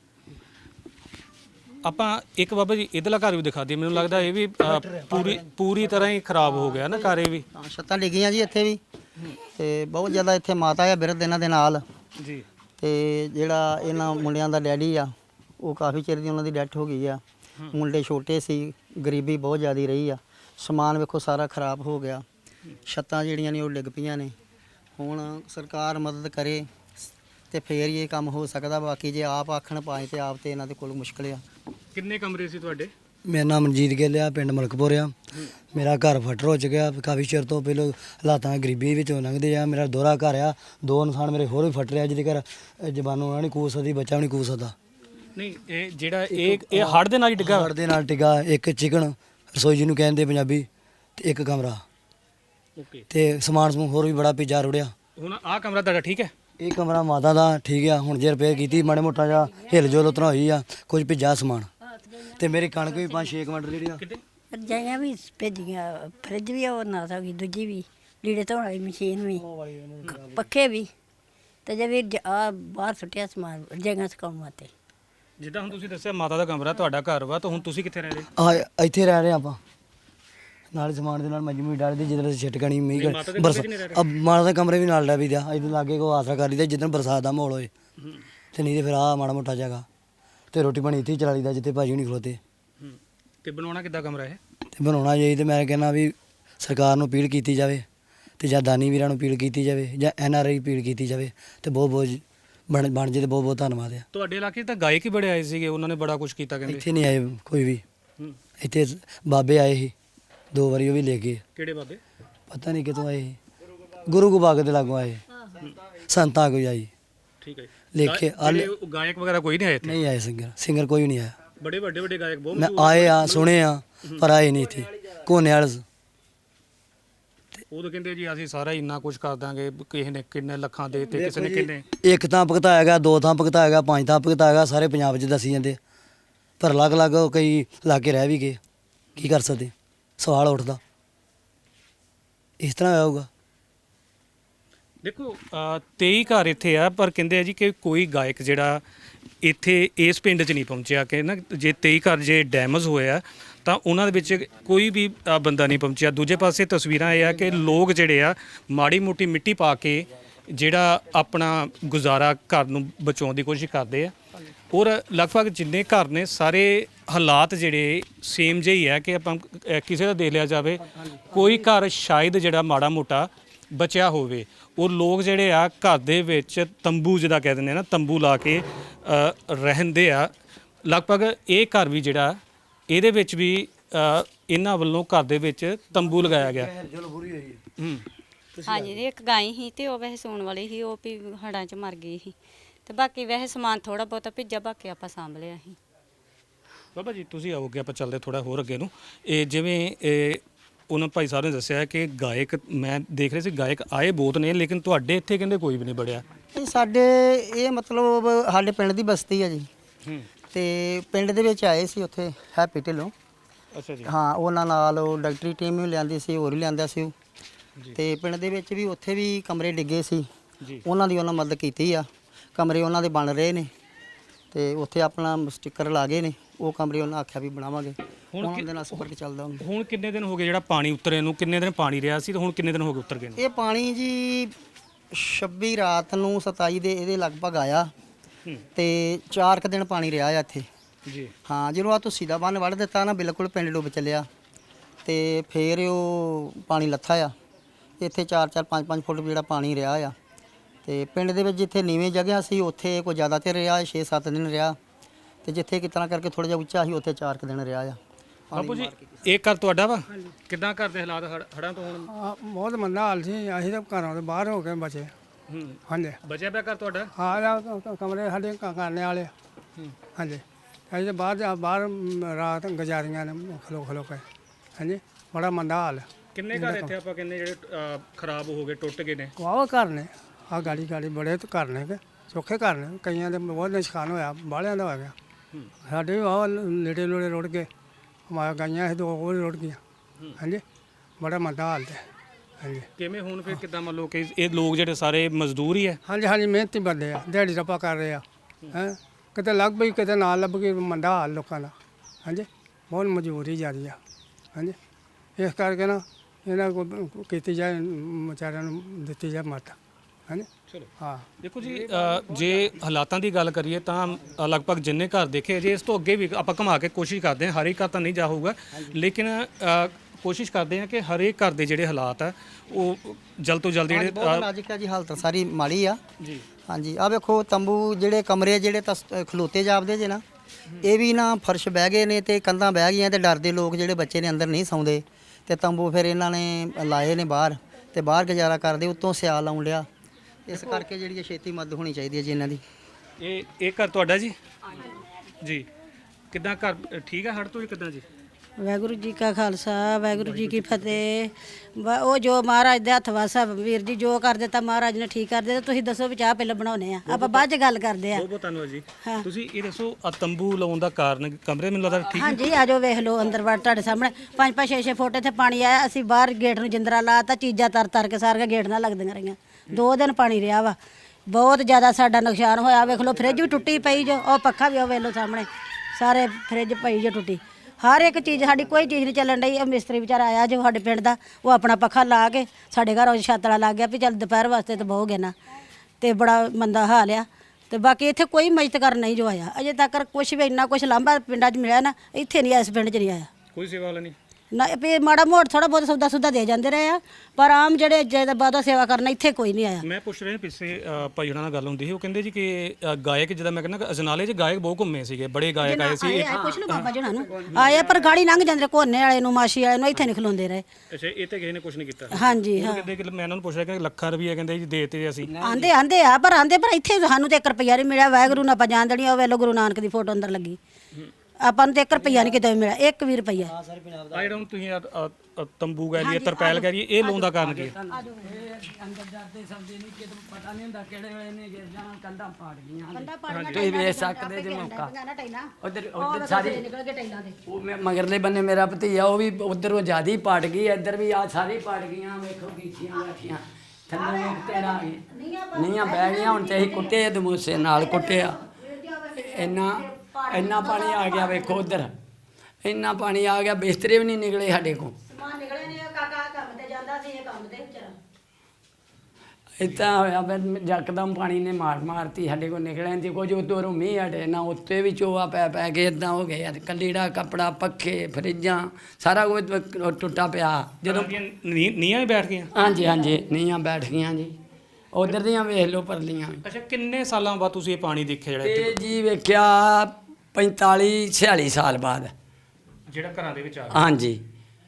Speaker 3: ਆਪਾਂ ਇੱਕ ਬਾਬਾ ਜੀ ਇਧਰਲਾ ਘਰ ਵੀ ਦਿਖਾ ਦਈਏ। ਮੈਨੂੰ ਲੱਗਦਾ ਇਹ ਵੀ ਅ, ਪੂਰੀ ਪੂਰੀ ਤਰ੍ਹਾਂ ਹੀ ਖਰਾਬ ਹੋ ਗਿਆ ਨਾ ਘਰ ਇਹ ਵੀ।
Speaker 4: ਹਾਂ ਛੱਤਾਂ ਡਿੱਗੀਆਂ ਜੀ ਇੱਥੇ ਵੀ ਤੇ ਬਹੁਤ ਜ਼ਿਆਦਾ ਇੱਥੇ ਮਾਤਾ ਆ ਬਿਰਧ ਇਹਨਾਂ ਦੇ ਨਾਲ
Speaker 3: ਜੀ
Speaker 4: ਤੇ ਜਿਹੜਾ ਇਹਨਾਂ ਮੁੰਡਿਆਂ ਦਾ ਡੈਡੀ ਆ ਉਹ ਕਾਫੀ ਚਿਰ ਦੀ ਉਹਨਾਂ ਦੀ ਡੈਥ ਹੋ ਗਈ ਆ। ਮੁੰਡੇ ਛੋਟੇ ਸੀ, ਗਰੀਬੀ ਬਹੁਤ ਜ਼ਿਆਦੀ ਰਹੀ ਆ। ਸਮਾਨ ਵੇਖੋ ਸਾਰਾ ਖਰਾਬ ਹੋ ਗਿਆ। ਛੱਤਾਂ ਜਿਹੜੀਆਂ ਨੇ ਉਹ ਡਿੱਗ ਪਈਆਂ ਨੇ। ਹੁਣ ਸਰਕਾਰ ਮਦਦ ਕਰੇ ਤੇ ਫੇਰ ਹੀ ਇਹ ਕੰਮ ਹੋ ਸਕਦਾ। ਬਾਕੀ ਜੇ ਆਪ ਆਖਣ ਪਾਏ ਤੇ ਆਪ ਤੇ ਇਹਨਾਂ ਦੇ ਕੋਲ ਮੁਸ਼ਕਲ ਆ।
Speaker 3: ਕਿੰਨੇ ਕਮਰੇ ਸੀ ਤੁਹਾਡੇ?
Speaker 7: ਮੇਰਾ ਨਾਮ ਮਨਜੀਤ ਗਿੱਲ ਆ, ਪਿੰਡ ਮਲਕਪੁਰ ਆ। ਮੇਰਾ ਘਰ ਫਟਰ ਹੋ ਚੁੱਕਿਆ ਕਾਫੀ ਚਿਰ ਤੋਂ। ਪਹਿਲਾਂ ਹਾਲਾਤਾਂ ਗਰੀਬੀ ਵਿੱਚੋਂ ਲੰਘਦੇ ਆ। ਮੇਰਾ ਦੋਹਰਾ ਘਰ ਆ, ਦੋ ਇਨਸਾਨ ਮੇਰੇ ਹੋਰ ਵੀ ਫਟ ਰਿਹਾ ਜਿਹਦੇ ਘਰ ਜ਼ਬਾਨ ਉਹਨਾਂ ਨਹੀਂ ਕੂਦ ਸਕਦੀ, ਬੱਚਾ ਵੀ ਨਹੀਂ ਕੂਦ ਸਕਦਾ।
Speaker 3: ਨਹੀਂ ਇਹ ਜਿਹੜਾ ਇਹ ਇਹ ਹੜ ਦੇ ਨਾਲ ਹੀ ਡਿੱਗਾ?
Speaker 7: ਹੜ ਦੇ ਨਾਲ ਟਿੱਗਾ। ਇੱਕ ਚਿਕਨ ਰਸੋਈ ਜਿਹਨੂੰ ਕਹਿੰਦੇ ਪੰਜਾਬੀ, ਤੇ ਇੱਕ ਕਮਰਾ
Speaker 3: ਓਕੇ।
Speaker 7: ਤੇ ਸਮਾਨ ਸਮੂਨ ਹੋਰ ਵੀ ਬੜਾ ਪਿੱਜਾ ਰੁੜਿਆ।
Speaker 3: ਹੁਣ ਆਹ ਕਮਰਾ ਤੁਹਾਡਾ ਠੀਕ ਹੈ?
Speaker 7: ਇਹ ਕਮਰਾ ਮਾਤਾ ਦਾ ਠੀਕ ਆ। ਹੁਣ ਜੇ ਰਿਪੇਅਰ ਕੀਤੀ ਮਾੜੇ ਮੋਟਾ ਜਿਹਾ ਹਿੱਲ ਜੁਲ ਉਤਰਾ ਹੋਈ ਆ, ਕੁਝ ਭਿੱਜਾ ਸਮਾਨ। ਤੇ ਮੇਰੀ ਕਣਕ ਵੀ ਪੰਜ ਛੇ ਕੁਇੰਟਲ ਜਿਹੜੀ ਆ
Speaker 5: ਰਜਾਈਆਂ ਵੀ ਭੇਜੀਆਂ, ਫਰਿੱਜ ਵੀ ਉਹ ਨਾਲ ਹੋ ਗਈ, ਦੂਜੀ ਵੀ ਲੀੜੇ ਧੋਣ ਵਾਲੀ ਮਸ਼ੀਨ ਵੀ, ਪੱਖੇ ਵੀ, ਤੇ ਜੇ ਵੀ ਆ ਬਾਹਰ ਸੁੱਟਿਆ ਸਮਾਨ ਰਜਾਈਆਂ ਸੁਕਾਉਣ ਵਾਸਤੇ।
Speaker 3: ਜਿੱਦਾਂ ਹੁਣ ਤੁਸੀਂ ਦੱਸਿਆ ਮਾਤਾ ਦਾ ਕਮਰਾ ਤੁਹਾਡਾ ਘਰ ਵਾ, ਤਾਂ ਹੁਣ ਤੁਸੀਂ ਕਿੱਥੇ ਰਹਿ ਰਹੇ?
Speaker 7: ਆ ਇੱਥੇ ਰਹਿ ਰਹੇ ਆਪਾਂ ਨਾਲ ਸਮਾਨ ਦੇ ਨਾਲ ਮਜਮੂਈ ਡਾਲਦੀ ਜਿੱਦਾਂ ਛਿਟਕਣੀ ਮੀਂਹ ਬਰਸਾਤ। ਮਾੜਾ ਦਾ ਕਮਰੇ ਵੀ ਨਾਲ ਡਾ ਵੀ ਦਿਆ ਇਹਦੇ ਲਾਗੇ ਕੋ ਆਸਰਾ ਕਰ ਲਈਦਾ ਜਿੱਦਣ ਬਰਸਾਤ ਦਾ ਮਾਹੌਲ ਹੋਏ। ਤੇ ਨਹੀਂ ਤੇ ਫਿਰ ਆ ਮਾੜਾ ਮੋਟਾ ਜਗ੍ਹਾ ਤੇ ਰੋਟੀ ਪਾਣੀ ਇੱਥੇ ਹੀ ਚਲਾ ਲਈਦਾ ਜਿੱਥੇ ਭਾਜੀ ਨਹੀਂ ਖਲੋਤੇ।
Speaker 3: ਤੇ ਬਣਾਉਣਾ ਕਿੱਦਾਂ ਕਮਰਾ ਇਹ?
Speaker 7: ਤੇ ਬਣਾਉਣਾ ਚਾਹੀਦਾ। ਤੇ ਮੈਂ ਕਹਿੰਦਾ ਵੀ ਸਰਕਾਰ ਨੂੰ ਅਪੀਲ ਕੀਤੀ ਜਾਵੇ ਤੇ ਜਾਂ ਦਾਨੀ ਵੀਰਾਂ ਨੂੰ ਅਪੀਲ ਕੀਤੀ ਜਾਵੇ ਜਾਂ ਐਨ ਆਰ ਆਈ ਅਪੀਲ ਕੀਤੀ ਜਾਵੇ ਤੇ ਬਹੁਤ ਬਹੁਤ ਬਣ ਬਣ ਜੇ ਤੇ ਬਹੁਤ ਬਹੁਤ ਧੰਨਵਾਦ ਆ।
Speaker 3: ਤੁਹਾਡੇ ਇਲਾਕੇ 'ਚ ਤਾਂ ਗਾਇਕ ਹੀ ਬੜੇ ਆਏ ਸੀਗੇ, ਉਹਨਾਂ ਨੇ ਬੜਾ ਕੁਝ ਕੀਤਾ ਕਹਿੰਦੇ।
Speaker 7: ਇੱਥੇ ਨਹੀਂ ਆਏ ਕੋਈ ਵੀ। ਇੱਥੇ ਬਾਬੇ ਆਏ ਸੀ ਦੋ ਵਾਰੀ, ਉਹ ਵੀ ਲੈ ਗਏ।
Speaker 3: ਕਿਹੜੇ ਬਾਬੇ?
Speaker 7: ਪਤਾ ਨਹੀਂ ਕਿਤੋਂ ਆਏ ਸੀ। ਗੁਰੂ ਗੋਬਾਗ ਦੇ ਲਾਗੋਂ ਆਏ, ਸੰਤਾਂ ਕੋਈ ਆਈ
Speaker 3: ਠੀਕ ਹੈ।
Speaker 7: ਲੇਖੇ
Speaker 3: ਜਿਹੜੇ ਉਹ ਗਾਇਕ ਵਗੈਰਾ ਕੋਈ ਨਹੀਂ ਆਏ ਇੱਥੇ?
Speaker 7: ਨਹੀਂ ਆਏ ਸਿੰਗਰ ਸਿੰਗਰ ਕੋਈ ਵੀ ਨਹੀਂ ਆਇਆ।
Speaker 3: ਬੜੇ ਵੱਡੇ ਵੱਡੇ ਗਾਇਕ ਬਹੁਤ
Speaker 7: ਮੈਂ
Speaker 3: ਮਸ਼ਹੂਰ
Speaker 7: ਆਏ ਆ ਸੁਣੇ ਆ ਪਰ ਆਏ ਨਹੀਂ ਇੱਥੇ ਕੋਨੇ ਵਾਲ।
Speaker 3: ਉਹ ਤਾਂ ਕਹਿੰਦੇ ਜੀ ਅਸੀਂ ਸਾਰਾ ਹੀ ਇੰਨਾ ਕੁਝ ਕਰ ਦਾਂਗੇ, ਕਿਸੇ ਨੇ ਕਿੰਨੇ ਲੱਖਾਂ ਦੇ ਤੇ ਕਿਸੇ ਨੇ ਕਿੰਨੇ।
Speaker 7: ਇੱਕ ਥਾਂ ਭੁਗਤਾਇਆ ਗਿਆ, ਦੋ ਥਾਂ ਭੁਗਤਾਇਆ ਗਿਆ, ਪੰਜ ਥਾਂ ਭੁਗਤਾਇਆ ਗਿਆ, ਸਾਰੇ ਪੰਜਾਬ 'ਚ ਦੱਸੀ ਜਾਂਦੇ। ਪਰ ਅਲੱਗ ਅਲੱਗ ਕਈ ਇਲਾਕੇ ਰਹਿ ਵੀ ਗਏ, ਕੀ ਕਰ ਸਕਦੇ। ਸਵਾਲ ਉੱਠਦਾ ਇਸ ਤਰ੍ਹਾਂ ਹੋਊਗਾ।
Speaker 3: ਦੇਖੋ ਤੇਈ ਘਰ ਇੱਥੇ ਆ, ਪਰ ਕਹਿੰਦੇ ਆ ਜੀ ਕਿ ਕੋਈ ਗਾਇਕ ਜਿਹੜਾ ਇੱਥੇ ਇਸ ਪਿੰਡ 'ਚ ਨਹੀਂ ਪਹੁੰਚਿਆ। ਕਿ ਨਾ ਜੇ ਤੇਈ ਘਰ ਜੇ ਡੈਮੇਜ ਹੋਇਆ ਤਾਂ ਉਹਨਾਂ ਦੇ ਵਿੱਚ ਕੋਈ ਵੀ ਅ, ਬੰਦਾ ਨਹੀਂ ਪਹੁੰਚਿਆ। ਦੂਜੇ ਪਾਸੇ ਤਸਵੀਰਾਂ ਇਹ ਆ ਕਿ ਲੋਕ ਜਿਹੜੇ ਆ ਮਾੜੀ ਮੋਟੀ ਮਿੱਟੀ ਪਾ ਕੇ ਜਿਹੜਾ ਆਪਣਾ ਗੁਜ਼ਾਰਾ ਘਰ ਨੂੰ ਬਚਾਉਣ ਦੀ ਕੋਸ਼ਿਸ਼ ਕਰਦੇ ਆ। ਔਰ ਲਗਭਗ ਜਿੰਨੇ ਘਰ ਨੇ ਸਾਰੇ ਹਾਲਾਤ ਜਿਹੜੇ ਸੇਮ ਜਿਹੇ ਹੀ ਆ ਕਿ ਆਪਾਂ ਅ, ਕਿਸੇ ਦਾ ਦੇਖ ਲਿਆ ਜਾਵੇ ਕੋਈ ਘਰ ਸ਼ਾਇਦ ਜਿਹੜਾ ਮਾੜਾ ਮੋਟਾ ਬਚਿਆ ਹੋਵੇ। ਉਹ ਲੋਕ ਜਿਹੜੇ ਆ ਘਰ ਦੇ ਵਿੱਚ ਤੰਬੂ ਜਿਹਦਾ ਕਹਿ ਦਿੰਦੇ ਆ ਨਾ, ਤੰਬੂ ਲਾ ਕੇ ਅ, ਰਹਿੰਦੇ ਆ। ਲਗਭਗ ਇਹ ਘਰ ਵੀ ਜਿਹੜਾ ਇਹਦੇ ਵਿੱਚ ਵੀ ਅ, ਇਹਨਾਂ ਵੱਲੋਂ ਘਰ ਦੇ ਵਿੱਚ ਤੰਬੂ ਲਗਾਇਆ ਗਿਆ। ਹੂੰ
Speaker 8: ਹਾਂਜੀ ਜੀ, ਇੱਕ ਗਾਂ ਸੀ ਤੇ ਉਹ ਵੈਸੇ ਸੂਣ ਵਾਲੀ ਸੀ, ਉਹ ਵੀ ਹੜਾਂ 'ਚ ਮਰ ਗਈ ਸੀ। ਤੇ ਬਾਕੀ ਵੈਸੇ ਸਮਾਨ ਥੋੜਾ ਬਹੁਤਾ ਭਿੱਜਾ, ਬਾਕੀ ਆਪਾਂ ਸਾਂਭ ਲਿਆ ਸੀ।
Speaker 3: ਬਾਬਾ ਜੀ ਤੁਸੀਂ ਆਓਗੇ, ਆਪਾਂ ਚੱਲਦੇ ਥੋੜਾ ਹੋਰ ਅੱਗੇ ਨੂੰ। ਇਹ ਜਿਵੇਂ ਇਹ ਉਹਨਾਂ ਭਾਈ ਸਾਹਿਬ ਨੇ ਦੱਸਿਆ ਕਿ ਗਾਇਕ ਮੈਂ ਦੇਖ ਰਿਹਾ ਸੀ ਗਾਇਕ ਆਏ ਬਹੁਤ ਨੇ, ਲੇਕਿਨ ਤੁਹਾਡੇ ਇੱਥੇ ਕਹਿੰਦੇ ਕੋਈ ਵੀ ਨਹੀਂ ਬੜਿਆ।
Speaker 4: ਇਹ ਸਾਡੇ ਇਹ ਮਤਲਬ ਸਾਡੇ ਪਿੰਡ ਦੀ ਬਸਤੀ ਆ ਜੀ।
Speaker 3: ਹੂੰ
Speaker 4: ਤੇ ਪਿੰਡ ਦੇ ਵਿੱਚ ਆਏ ਸੀ ਉੱਥੇ ਹੈਪੀ ਢਿੱਲੋਂ।
Speaker 3: ਅੱਛਾ ਜੀ।
Speaker 4: ਹਾਂ ਉਹਨਾਂ ਨਾਲ ਉਹ ਡਾਕਟਰੀ ਟੀਮ ਵੀ ਲਿਆਂਦੀ ਸੀ, ਹੋਰ ਵੀ ਲਿਆਂਦਾ ਸੀ ਉਹ। ਤੇ ਪਿੰਡ ਦੇ ਵਿੱਚ ਵੀ ਉੱਥੇ ਵੀ ਕਮਰੇ ਡਿੱਗੇ ਸੀ,
Speaker 3: ਜੀ
Speaker 4: ਉਹਨਾਂ ਦੀ ਉਹਨਾਂ ਮਦਦ ਕੀਤੀ ਆ। ਕਮਰੇ ਉਹਨਾਂ ਦੇ ਬਣ ਰਹੇ ਨੇ ਤੇ ਉੱਥੇ ਆਪਣਾ ਸਟicker ਲਾ ਗਏ ਨੇ। ਉਹ ਕਮਰੇ ਉਹਨਾਂ ਆਖਿਆ ਵੀ ਬਣਾਵਾਂਗੇ। ਉਹਨਾਂ ਦੇ ਨਾਲ ਸੰਪਰਕ ਚੱਲਦਾ ਹੁਣ।
Speaker 3: ਹੁਣ ਕਿੰਨੇ ਦਿਨ ਹੋ ਗਏ ਜਿਹੜਾ ਪਾਣੀ ਉਤਰੇ ਨੂੰ? ਕਿੰਨੇ ਦਿਨ ਪਾਣੀ ਰਿਹਾ ਸੀ ਤੇ ਹੁਣ ਕਿੰਨੇ ਦਿਨ ਹੋ ਗਏ ਉਤਰ ਗਏ ਨੇ?
Speaker 4: ਇਹ ਪਾਣੀ ਜੀ ਛੱਬੀ ਰਾਤ ਨੂੰ ਸਤਾਈ ਦੇ ਇਹਦੇ ਲਗਭਗ ਆਇਆ ਤੇ ਚਾਰ ਕੁ ਦਿਨ ਪਾਣੀ ਰਿਹਾ ਆ ਇੱਥੇ।
Speaker 3: ਜੀ
Speaker 4: ਹਾਂ, ਜਦੋਂ ਆ ਤੁਸੀਂ ਦਾ ਬੰਨ ਵੱਢ ਦਿੱਤਾ ਨਾ, ਬਿਲਕੁਲ ਪਿੰਡ ਡੁੱਬ ਚੱਲਿਆ ਤੇ ਫੇਰ ਉਹ ਪਾਣੀ ਲੱਥਾ ਆ। ਇੱਥੇ ਚਾਰ ਚਾਰ ਪੰਜ ਪੰਜ ਫੁੱਟ ਜਿਹੜਾ ਪਾਣੀ ਰਿਹਾ ਆ। ਤੇ ਪਿੰਡ ਦੇ ਵਿੱਚ ਜਿੱਥੇ ਨੀਵੇਂ ਜਗ੍ਹਾ ਸੀ ਉੱਥੇ ਕੋਈ ਜ਼ਿਆਦਾ ਤੇ ਰਿਹਾ, ਛੇ ਸੱਤ ਦਿਨ ਰਿਹਾ। ਤੇ ਜਿੱਥੇ ਕਿਤਨਾ ਕਰਕੇ ਥੋੜਾ ਜਿਹਾ ਉੱਚਾ ਸੀ ਉੱਥੇ ਚਾਰ ਕੁ ਦਿਨ ਰਿਹਾ ਆ।
Speaker 3: ਬਾਪੂ ਜੀ ਇਹ ਘਰ ਤੁਹਾਡਾ ਵਾ? ਕਿੱਦਾਂ ਘਰ ਦੇ ਹਾਲਾਤ ਹੜਾਂ ਤੋਂ ਹੁਣ?
Speaker 9: ਬਹੁਤ ਮੰਦਾ ਹਾਲ ਸੀ। ਅਸੀਂ ਤਾਂ ਘਰਾਂ ਤੋਂ ਬਾਹਰ ਹੋ ਕੇ ਬਚੇ।
Speaker 3: ਹੂੰ
Speaker 9: ਹਾਂਜੀ
Speaker 3: ਬਚਿਆ ਪਿਆ ਘਰ ਤੁਹਾਡਾ?
Speaker 9: ਹਾਂ, ਕਮਰੇ ਸਾਡੇ ਕਰਨੇ ਵਾਲੇ। ਹਾਂਜੀ, ਅਸੀਂ ਤਾਂ ਬਾਹਰ ਬਾਹਰ ਰਾਤ ਗੁਜ਼ਾਰੀਆਂ ਨੇ ਖਲੋ ਖਲੋ ਕੇ। ਹਾਂਜੀ, ਬੜਾ ਮੰਦਾ ਹਾਲ।
Speaker 3: ਕਿੰਨੇ ਘਰ ਇੱਥੇ ਆਪਾਂ ਕਿੰਨੇ ਜਿਹੜੇ ਅ, ਖਰਾਬ ਹੋ ਗਏ, ਟੁੱਟ ਗਏ ਨੇ?
Speaker 9: ਵਾਹ ਘਰ ਨੇ ਆ ਗਾੜੀ ਗਾੜੀ ਬੜੇ ਘਰ ਨੇ ਕਿ ਚੌਖੇ ਘਰ ਨੇ। ਕਈਆਂ ਦੇ ਬਹੁਤ ਨੁਕਸਾਨ ਹੋਇਆ, ਬਾਹਲਿਆਂ ਦਾ ਹੋ ਗਿਆ। ਸਾਡੇ ਵੀ ਆਹ ਨੇੜੇ ਨੇੜੇ ਰੁੜ ਗਏ, ਮਾਇਆ ਗਾਈਆਂ ਸੀ ਦੋ ਉਹ ਵੀ ਰੁੜ ਗਈਆਂ। ਹਾਂਜੀ ਬੜਾ ਮੰਦਾ ਹਾਲ ਹੈ। ਹਾਂਜੀ
Speaker 3: ਕਿਵੇਂ ਹੁਣ ਫਿਰ ਕਿੱਦਾਂ ਮੰਨ ਲਓ ਕਿ ਇਹ ਲੋਕ ਜਿਹੜੇ ਸਾਰੇ ਮਜ਼ਦੂਰ ਹੀ ਹੈ?
Speaker 9: ਹਾਂਜੀ ਹਾਂਜੀ ਮਿਹਨਤੀ ਬੰਦੇ ਆ, ਦਿਹਾੜੀ ਰੱਪਾ ਕਰ ਰਹੇ ਆ। ਹੈਂ ਕਿਤੇ ਲੱਗ ਪਈ ਕਿਤੇ ਨਾ ਲੱਭ ਗਈ, ਮੰਦਾ ਹਾਲ ਲੋਕਾਂ ਦਾ। ਹਾਂਜੀ ਬਹੁਤ ਮਜਬੂਰੀ ਜਾਰੀ ਆ। ਹਾਂਜੀ ਇਸ ਕਰਕੇ ਨਾ ਇਹਨਾਂ ਕੋਲ ਕੀਤੀ ਜਾਏ, ਵਿਚਾਰਿਆਂ ਨੂੰ ਦਿੱਤੀ ਜਾਏ ਮਦਦ। ਹਾਂਜੀ
Speaker 3: ਚਲੋ
Speaker 9: ਹਾਂ
Speaker 3: ਦੇਖੋ ਜੀ, ਅ, ਜੇ ਹਾਲਾਤਾਂ ਦੀ ਗੱਲ ਕਰੀਏ ਤਾਂ ਅ, ਲਗਭਗ ਜਿੰਨੇ ਘਰ ਦੇਖੇ ਜੇ ਇਸ ਤੋਂ ਅੱਗੇ ਵੀ ਆਪਾਂ ਘੁਮਾ ਕੇ ਕੋਸ਼ਿਸ਼ ਕਰਦੇ ਹਾਂ, ਹਰ ਇੱਕ ਘਰ ਤਾਂ ਨਹੀਂ ਜਾ ਹੋਊਗਾ, ਲੇਕਿਨ ਅ, ਕੋਸ਼ਿਸ਼ ਕਰਦੇ ਹਾਂ ਕਿ ਹਰੇਕ ਘਰ ਦੇ ਜਿਹੜੇ ਹਾਲਾਤ ਆ ਉਹ ਜਲਦ ਤੋਂ ਜਲਦ ਜਿਹੜੇ
Speaker 4: ਬਹੁਤ
Speaker 3: ਅ,
Speaker 4: ਨਾਜ਼ੁਕ ਹੈ ਜੀ, ਹਾਲਤ ਸਾਰੀ ਮਾੜੀ ਆ
Speaker 3: ਜੀ
Speaker 4: ਹਾਂਜੀ। ਆ ਵੇਖੋ ਤੰਬੂ ਜਿਹੜੇ ਕਮਰੇ ਜਿਹੜੇ ਤਸ ਖਲੋਤੇ ਜਾਪਦੇ ਜੇ ਨਾ, ਇਹ ਵੀ ਨਾ ਫਰਸ਼ ਬਹਿ ਗਏ ਨੇ ਤੇ ਕੰਧਾਂ ਬਹਿ ਗਈਆਂ ਤੇ ਡਰਦੇ ਲੋਕ ਜਿਹੜੇ ਬੱਚੇ ਨੇ ਅੰਦਰ ਨਹੀਂ ਸੌਂਦੇ ਤੇ ਤੰਬੂ ਫਿਰ ਇਹਨਾਂ ਨੇ ਲਾਏ ਨੇ ਬਾਹਰ ਤੇ ਬਾਹਰ ਗੁਜ਼ਾਰਾ ਕਰਦੇ, ਉੱਤੋਂ ਸਿਆਲ ਆਉਣ ਡਿਆ। ਇਸ ਕਰਕੇ ਜਿਹੜੀ ਇਹ ਛੇਤੀ ਮਦਦ ਹੋਣੀ ਚਾਹੀਦੀ ਹੈ ਜੀ ਇਹਨਾਂ ਦੀ।
Speaker 3: ਇਹ ਇਹ ਘਰ ਤੁਹਾਡਾ ਜੀ? ਜੀ ਕਿੱਦਾਂ ਘਰ ਠੀਕ ਆ ਹੜ ਤੋਂ ਕਿੱਦਾਂ ਜੀ?
Speaker 5: ਵਾਹਿਗੁਰੂ ਜੀ ਕਾ ਖਾਲਸਾ ਵਾਹਿਗੁਰੂ ਜੀ ਕੀ ਫਤਿਹ। ਵਾ- ਉਹ ਜੋ ਮਹਾਰਾਜ ਦੇ ਹੱਥ ਵਾਸਾ ਵੀਰ ਜੀ, ਜੋ ਕਰ ਦਿੱਤਾ ਮਹਾਰਾਜ ਨੇ ਠੀਕ ਕਰ ਦਿੱਤਾ। ਤੁਸੀਂ ਦੱਸੋ ਵੀ ਚਾਹ ਪਹਿਲਾਂ ਬਣਾਉਨੇ ਆ, ਆਪਾਂ ਬਾਅਦ ਚ ਗੱਲ ਕਰਦੇ ਆ।
Speaker 3: ਬਹੁਤ ਬਹੁਤ ਧੰਨਵਾਦ ਜੀ। ਤੁਸੀਂ ਇਹ ਦੱਸੋ ਆ ਤੰਬੂ ਲਾਉਣ ਦਾ ਕਾਰਨ ਕਮਰੇ ਮੈਨੂੰ ਲੱਗਦਾ ਠੀਕ
Speaker 5: ਹਾਂਜੀ ਆ ਜਾਓ ਵੇਖ ਲਓ ਅੰਦਰ ਵੜ ਤੁਹਾਡੇ ਸਾਹਮਣੇ ਪੰਜ ਪੰਜ ਛੇ ਛੇ ਫੁੱਟ ਇੱਥੇ ਪਾਣੀ ਆਇਆ। ਅਸੀਂ ਬਾਹਰ ਗੇਟ ਨੂੰ ਜਿੰਦਰਾ ਲਾਤਾ, ਚੀਜ਼ਾਂ ਤਰ ਤਰ ਕੇ ਸਾਰੀਆਂ ਗੇਟ ਨਾਲ ਲੱਗਦੀਆਂ ਰਹੀਆਂ। ਦੋ ਦਿਨ ਪਾਣੀ ਰਿਹਾ ਵਾ, ਬਹੁਤ ਜ਼ਿਆਦਾ ਸਾਡਾ ਨੁਕਸਾਨ ਹੋਇਆ। ਵੇਖ ਲਓ ਫ੍ਰਿਜ ਵੀ ਟੁੱਟੀ ਪਈ ਜੋ, ਉਹ ਪੱਖਾ ਵੀ ਉਹ ਵੇਖ ਲਓ ਸਾਹਮਣੇ, ਸਾਰੇ ਫ੍ਰਿਜ ਪਈ ਜੋ ਟੁੱਟੀ। ਹਰ ਇੱਕ ਚੀਜ਼ ਸਾਡੀ ਕੋਈ ਚੀਜ਼ ਨਹੀਂ ਚੱਲਣ ਡਈ। ਉਹ ਮਿਸਤਰੀ ਵਿਚਾਰਾ ਆਇਆ ਜੋ ਸਾਡੇ ਪਿੰਡ ਦਾ, ਉਹ ਆਪਣਾ ਪੱਖਾ ਲਾ ਕੇ ਸਾਡੇ ਘਰ ਉਹ ਛੱਤ ਵਾਲਾ ਲੱਗ ਗਿਆ ਵੀ ਚੱਲ ਦੁਪਹਿਰ ਵਾਸਤੇ ਤਾਂ ਬਹੁ ਗਏ ਨਾ, ਤੇ ਬੜਾ ਮੰਦਾ ਹਾਲ ਆ। ਤੇ ਬਾਕੀ ਇੱਥੇ ਕੋਈ ਮਦਦ ਕਰਨ ਨਹੀਂ ਜੋ ਆਇਆ ਅਜੇ ਤੱਕ। ਕੁਛ ਵੀ ਇੰਨਾ ਕੁਛ ਲਾਂਭਾ ਪਿੰਡਾਂ 'ਚ ਮਿਲਿਆ ਨਾ, ਇੱਥੇ ਨਹੀਂ, ਇਸ ਪਿੰਡ 'ਚ ਨਹੀਂ ਆਇਆ
Speaker 3: ਕੋਈ ਸੇਵਾ ਵਾਲਾ ਨਹੀਂ
Speaker 5: ਨਾ। ਵੀ ਮਾੜਾ ਮੋੜ ਥੋੜਾ ਬਹੁਤ ਸੌਦਾ ਸੁਦਾ ਦੇ ਜਾਂਦੇ ਰਹੇ ਆ, ਪਰ ਆਮ ਜਿਹੜੇ ਜਿਹਦਾ ਬਾਦਾ ਸੇਵਾ ਕਰਨਾ ਇੱਥੇ ਕੋਈ ਨਹੀਂ ਆਇਆ।
Speaker 3: ਮੈਂ ਪੁੱਛ ਰਿਹਾ ਪਿੱਛੇ ਅ, ਭਾਈ ਉਹਨਾਂ ਨਾਲ ਗੱਲ ਹੁੰਦੀ ਸੀ, ਉਹ ਕਹਿੰਦੇ ਜੀ ਕਿ ਅ, ਗਾਇਕ ਜਿਹਦਾ ਮੈਂ ਕਹਿੰਦਾ ਅਜਨਾਲੇ 'ਚ ਗਾਇਕ ਬਹੁਤ ਘੁੰਮੇ ਸੀਗੇ, ਬੜੇ ਗਾਇਕ ਆਏ ਸੀ।
Speaker 5: ਆਏ ਆਏ ਕੁਛ ਨਹੀਂ ਬਾਬਾ ਜਣਾ ਨੂੰ ਆਏ, ਪਰ ਗਾੜੀ ਲੰਘ ਜਾਂਦੇ ਕੋਨੇ ਵਾਲੇ ਨੂੰ, ਮਾਸ਼ੀ ਵਾਲੇ ਨੂੰ, ਇੱਥੇ ਨਹੀਂ ਖਲੋਂਦੇ ਰਹੇ।
Speaker 3: ਅੱਛਾ ਇਹ ਤੇ ਕਿਸੇ ਨੇ ਕੁਝ ਨਹੀਂ ਕੀਤਾ?
Speaker 5: ਹਾਂਜੀ ਹਾਂ
Speaker 3: ਕਹਿੰਦੇ ਕਿ ਮੈਂ ਉਹਨਾਂ ਨੂੰ ਪੁੱਛ ਰਿਹਾ ਕਿ ਲੱਖਾਂ ਰੁਪਏ ਕਹਿੰਦੇ ਜੀ ਦੇਤੇ ਅਸੀਂ।
Speaker 5: ਆਂਦੇ ਆਂਦੇ ਆ, ਪਰ ਆਂਦੇ ਪਰ ਇੱਥੇ ਸਾਨੂੰ ਤੇ ਇੱਕ ਰੁਪਈਆ ਨਹੀਂ ਮਿਲਿਆ। ਵਾਹਿਗੁਰੂ ਨੂੰ ਆਪਾਂ ਜਾਣ ਦੇਣੀ, ਉਹ ਵੇਲੋ ਗੁਰੂ ਨਾਨਕ ਦੀ ਫੋਟੋ ਅੰਦਰ ਲੱਗੀ, ਆਪਾਂ ਨੂੰ ਤੇ ਇੱਕ ਰੁਪਈਆ ਨਹੀਂ ਕਿਤੇ ਵੀ ਮਿਲਿਆ, ਇੱਕ ਵੀ ਰੁਪਈਆ।
Speaker 3: ਆ ਜਿਹੜਾ ਹੁਣ ਤੁਸੀਂ ਆ- ਆ- ਆ ਤੰਬੂ ਕਹਿ ਲਈਏ, ਤਰਪੈਲ ਕਹਿ ਲਈਏ, ਇਹ ਲਾਉਣ ਦਾ ਕਾਰਨ ਕੀ ਹੈ?
Speaker 6: ਅੰਦਰ ਜਾਂਦੇ ਸਮਝੇ ਨਹੀਂ ਕਿ ਪਤਾ ਨਹੀਂ ਹੁੰਦਾ ਕਿਹੜੇ ਵੇਲੇ ਨੇ ਗਿਰ ਜਾਣਾ, ਕੰਧਾਂ ਪਾੜ ਗਈਆਂ। ਤੁਸੀਂ ਵੇਖ ਸਕਦੇ ਜੇ ਮੌਕਾ ਉਧਰ ਉਧਰ ਸਾਰੀ ਉਹ ਮੈਂ ਮਗਰਲੇ ਬੰਨੇ ਮੇਰਾ ਭਤੀਆ, ਉਹ ਵੀ ਉਧਰੋਂ ਜ਼ਿਆਦਾ ਹੀ ਪਾੜ ਗਈ, ਇੱਧਰ ਵੀ ਆ ਸਾਰੀ ਪਾੜ ਗਈਆਂ। ਵੇਖੋ ਕੀਚੀਆਂ ਬੈਠੀਆਂ ਥੱਲੇ ਉੱਤੇ ਆ ਗਏ, ਨੀਆਂ ਬਹਿ ਗਈਆਂ। ਹੁਣ ਤੇ ਅਸੀਂ ਕੁੱਟੇ ਦਮੂਸੇ ਨਾਲ ਕੁੱਟਿਆ, ਇੰਨਾ ਇੰਨਾ ਪਾਣੀ ਆ ਗਿਆ। ਵੇਖੋ ਉਧਰ ਇੰਨਾ ਪਾਣੀ ਆ ਗਿਆ, ਬਿਸਤਰੇ ਵੀ ਨਹੀਂ ਨਿਕਲੇ ਸਾਡੇ ਕੋਲ।
Speaker 5: ਸਮਾਨ ਨਿਕਲੇ ਨਹੀਂ, ਕਾਕਾ ਕੰਮ ਤੇ ਜਾਂਦਾ ਸੀ, ਇਹ ਕੰਮ ਤੇ ਵਿਚਾਰਾ।
Speaker 6: ਇੱਦਾਂ ਹੋਇਆ ਫਿਰ ਯਕਦਮ ਪਾਣੀ ਨੇ ਮਾਰ ਮਾਰਤੀ, ਸਾਡੇ ਕੋਲ ਨਿਕਲਿਆ ਨਹੀਂ ਕੁਝ। ਉੱਤੋਂ ਮੀਂਹ ਹਟੇ ਨਾ, ਉੱਤੇ ਵੀ ਚੋਆ ਪੈ ਪੈ ਕੇ ਇੱਦਾਂ ਹੋ ਗਿਆ। ਕੱਲੀੜਾ ਕੱਪੜਾ, ਪੱਖੇ, ਫਰਿੱਜਾਂ, ਸਾਰਾ ਕੁਝ ਟੁੱਟਾ ਪਿਆ। ਜਦੋਂ
Speaker 3: ਨੀ- ਨੀਆਂ ਹੀ ਬੈਠ ਗਈਆਂ?
Speaker 6: ਹਾਂਜੀ ਹਾਂਜੀ ਨੀਆਂ ਬੈਠ ਗਈਆਂ ਜੀ, ਉਧਰ ਦੀਆਂ ਵੇਖ ਲਓ ਪਰਲੀਆਂ।
Speaker 3: ਅੱਛਾ ਕਿੰਨੇ ਸਾਲਾਂ ਬਾਅਦ ਤੁਸੀਂ ਇਹ ਪਾਣੀ ਦੇਖਿਆ ਜਿਹੜਾ ਇੱਥੇ?
Speaker 6: ਇਹ ਜੀ ਵੇਖਿਆ ਪੰਤਾਲੀ ਛਿਆਲੀ ਸਾਲ ਬਾਅਦ,
Speaker 3: ਜਿਹੜਾ ਘਰਾਂ ਦੇ ਵਿੱਚ ਆ ਗਿਆ?
Speaker 6: ਹਾਂਜੀ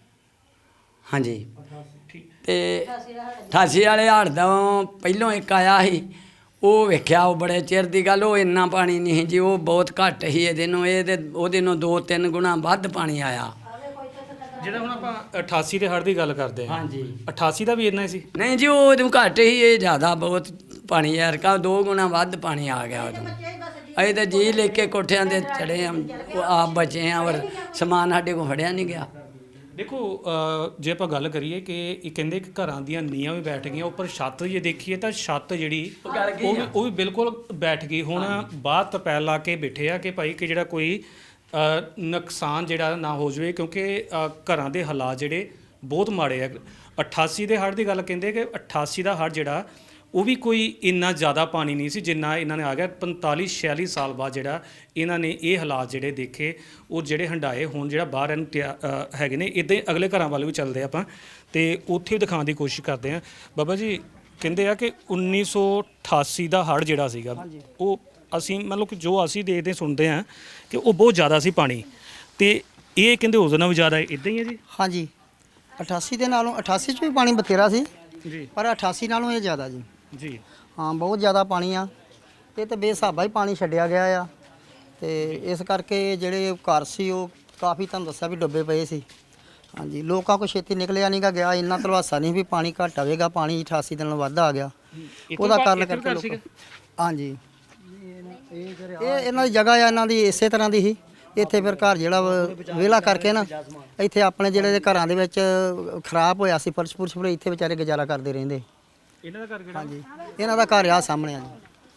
Speaker 6: ਹਾਂਜੀ।
Speaker 3: ਠੀਕ।
Speaker 6: ਤੇ ਅਠਾਸੀ ਵਾਲੇ ਹੜ੍ਹ ਦਾ ਪਹਿਲੋਂ ਇੱਕ ਆਇਆ ਸੀ, ਉਹ ਵੇਖਿਆ, ਉਹ ਬੜੇ ਚਿਰ ਦੀ ਗੱਲ। ਉਹ ਇੰਨਾ ਪਾਣੀ ਨਹੀਂ ਸੀ ਜੀ, ਉਹ ਬਹੁਤ ਘੱਟ ਸੀ ਇਹਦੇ ਨੂੰ, ਇਹ ਤੇ ਉਹਦੇ ਨੂੰ ਦੋ ਤਿੰਨ ਗੁਣਾ ਵੱਧ ਪਾਣੀ ਆਇਆ।
Speaker 3: ਜਿਹੜਾ ਹੁਣ ਆਪਾਂ ਅਠਾਸੀ ਦੇ ਹੜ੍ਹ ਦੀ ਗੱਲ ਕਰਦੇ ਹਾਂ,
Speaker 6: ਹਾਂਜੀ
Speaker 3: ਅਠਾਸੀ ਦਾ ਵੀ ਇੰਨਾ ਹੀ ਸੀ?
Speaker 6: ਨਹੀਂ ਜੀ, ਉਹ ਉਹਨੂੰ ਘੱਟ ਹੀ, ਇਹ ਜ਼ਿਆਦਾ ਬਹੁਤ ਪਾਣੀ ਯਾਰ ਕਾ ਦੋ ਗੁਣਾ ਵੱਧ ਪਾਣੀ ਆ ਗਿਆ ਉਦੋਂ। ਅਸੀਂ ਤਾਂ ਜੀ ਲੈ ਕੇ ਕੋਠਿਆਂ ਦੇ ਚੜੇ ਆ, ਉਹ ਆਪ ਬਚੇ ਆ, ਔਰ ਸਮਾਨ ਸਾਡੇ ਕੋਲ ਫੜਿਆ ਨਹੀਂ ਗਿਆ।
Speaker 3: ਦੇਖੋ ਅ, ਜੇ ਆਪਾਂ ਗੱਲ ਕਰੀਏ ਕਿ ਇਹ ਕਹਿੰਦੇ ਕਿ ਘਰਾਂ ਦੀਆਂ ਨੀਆਂ ਵੀ ਬੈਠ ਗਈਆਂ, ਉੱਪਰ ਛੱਤ ਜੇ ਦੇਖੀਏ ਤਾਂ ਛੱਤ ਜਿਹੜੀ ਉਹ ਵੀ ਉਹ ਵੀ ਬਿਲਕੁਲ ਬੈਠ ਗਈ। ਹੁਣ ਬਾਹਰ ਤਰਪੈਲ ਲਾ ਕੇ ਬੈਠੇ ਆ ਕਿ ਭਾਈ ਕਿ ਜਿਹੜਾ ਕੋਈ ਅ, ਨੁਕਸਾਨ ਜਿਹੜਾ ਨਾ ਹੋ ਜਾਵੇ, ਕਿਉਂਕਿ ਅ, ਘਰਾਂ ਦੇ ਹਾਲਾਤ ਜਿਹੜੇ ਬਹੁਤ ਮਾੜੇ ਆ। ਅਠਾਸੀ ਦੇ ਹੜ੍ਹ ਦੀ ਗੱਲ ਕਹਿੰਦੇ ਕਿ ਅਠਾਸੀ ਦਾ ਹੜ੍ਹ ਜਿਹੜਾ ਉਹ ਵੀ ਕੋਈ ਇੰਨਾ ਜ਼ਿਆਦਾ ਪਾਣੀ ਨਹੀਂ ਸੀ ਜਿੰਨਾ ਇਹਨਾਂ ਨੇ ਆ ਗਿਆ। ਪੰਤਾਲੀ ਛਿਆਲੀ ਸਾਲ ਬਾਅਦ ਜਿਹੜਾ ਇਹਨਾਂ ਨੇ ਇਹ ਹਾਲਾਤ ਜਿਹੜੇ ਦੇਖੇ, ਉਹ ਜਿਹੜੇ ਹੰਡਾਏ ਹੁਣ ਜਿਹੜਾ ਬਾਹਰ ਇਹਨੂੰ ਤਿਆ- ਅ, ਹੈਗੇ ਨੇ। ਇੱਦਾਂ ਹੀ ਅਗਲੇ ਘਰਾਂ ਵੱਲ ਵੀ ਚੱਲਦੇ ਆਪਾਂ ਤੇ ਉੱਥੇ ਵੀ ਦਿਖਾਉਣ ਦੀ ਕੋਸ਼ਿਸ਼ ਕਰਦੇ ਹਾਂ। ਬਾਬਾ ਜੀ ਕਹਿੰਦੇ ਆ ਕਿ ਉੱਨੀ ਸੌ ਅਠਾਸੀ ਦਾ ਹੜ੍ਹ ਜਿਹੜਾ ਸੀਗਾ, ਉਹ ਅਸੀਂ ਮਤਲਬ ਕਿ ਜੋ ਅਸੀਂ ਦੇਖਦੇ ਸੁਣਦੇ ਹਾਂ ਕਿ ਉਹ ਬਹੁਤ ਜ਼ਿਆਦਾ ਸੀ ਪਾਣੀ, ਤੇ ਇਹ ਕਹਿੰਦੇ ਉਸ ਨਾਲੋਂ ਵੀ ਜ਼ਿਆਦਾ ਹੈ। ਇੱਦਾਂ ਹੀ ਹੈ ਜੀ?
Speaker 4: ਹਾਂਜੀ ਅਠਾਸੀ ਦੇ ਨਾਲੋਂ ਅਠਾਸੀ 'ਚ ਵੀ ਪਾਣੀ ਬਥੇਰਾ ਸੀ,
Speaker 3: ਜੀ
Speaker 4: ਪਰ ਅਠਾਸੀ ਨਾਲੋਂ ਇਹ ਜ਼ਿਆਦਾ ਜੀ।
Speaker 3: ਜੀ
Speaker 4: ਹਾਂ ਬਹੁਤ ਜ਼ਿਆਦਾ ਪਾਣੀ ਆ, ਇਹ ਤਾਂ ਬੇਸਾਬਾ ਹੀ ਪਾਣੀ ਛੱਡਿਆ ਗਿਆ ਆ। ਤੇ ਇਸ ਕਰਕੇ ਜਿਹੜੇ ਘਰ ਸੀ ਉਹ ਕਾਫੀ, ਤੁਹਾਨੂੰ ਦੱਸਿਆ ਵੀ ਡੁੱਬੇ ਪਏ ਸੀ। ਹਾਂਜੀ ਲੋਕਾਂ ਕੋਲ ਛੇਤੀ ਨਿਕਲਿਆ ਨਹੀਂ ਗਾ ਗਿਆ, ਇੰਨਾ ਧਲਵਾਸਾ ਨਹੀਂ ਵੀ ਪਾਣੀ ਘੱਟ ਆਵੇਗਾ, ਪਾਣੀ ਅਠਾਸੀ ਦਿਨ ਵੱਧ ਆ ਗਿਆ। ਉਹਦਾ ਕਾਰਨ ਕਰਕੇ ਲੋਕ ਹਾਂਜੀ ਇਹ ਇਹਨਾਂ ਦੀ ਜਗ੍ਹਾ ਆ, ਇਹਨਾਂ ਦੀ ਇਸੇ ਤਰ੍ਹਾਂ ਦੀ ਹੀ। ਇੱਥੇ ਫਿਰ ਘਰ ਜਿਹੜਾ ਵਾ ਵਿਹਲਾ ਕਰਕੇ ਨਾ ਇੱਥੇ ਆਪਣੇ ਜਿਹੜੇ ਘਰਾਂ ਦੇ ਵਿੱਚ ਖਰਾਬ ਹੋਇਆ ਸੀ ਫਰਸ਼ ਫੁਰਸ਼ ਫਿਰ ਇੱਥੇ ਵਿਚਾਰੇ ਗੁਜ਼ਾਰਾ ਕਰਦੇ ਰਹਿੰਦੇ।
Speaker 3: ਇਹਨਾਂ ਦਾ ਘਰ ਕਿਹੜਾ?
Speaker 4: ਹਾਂਜੀ, ਇਹਨਾਂ ਦਾ ਘਰ ਆ ਸਾਹਮਣੇ ਆ ਜੀ।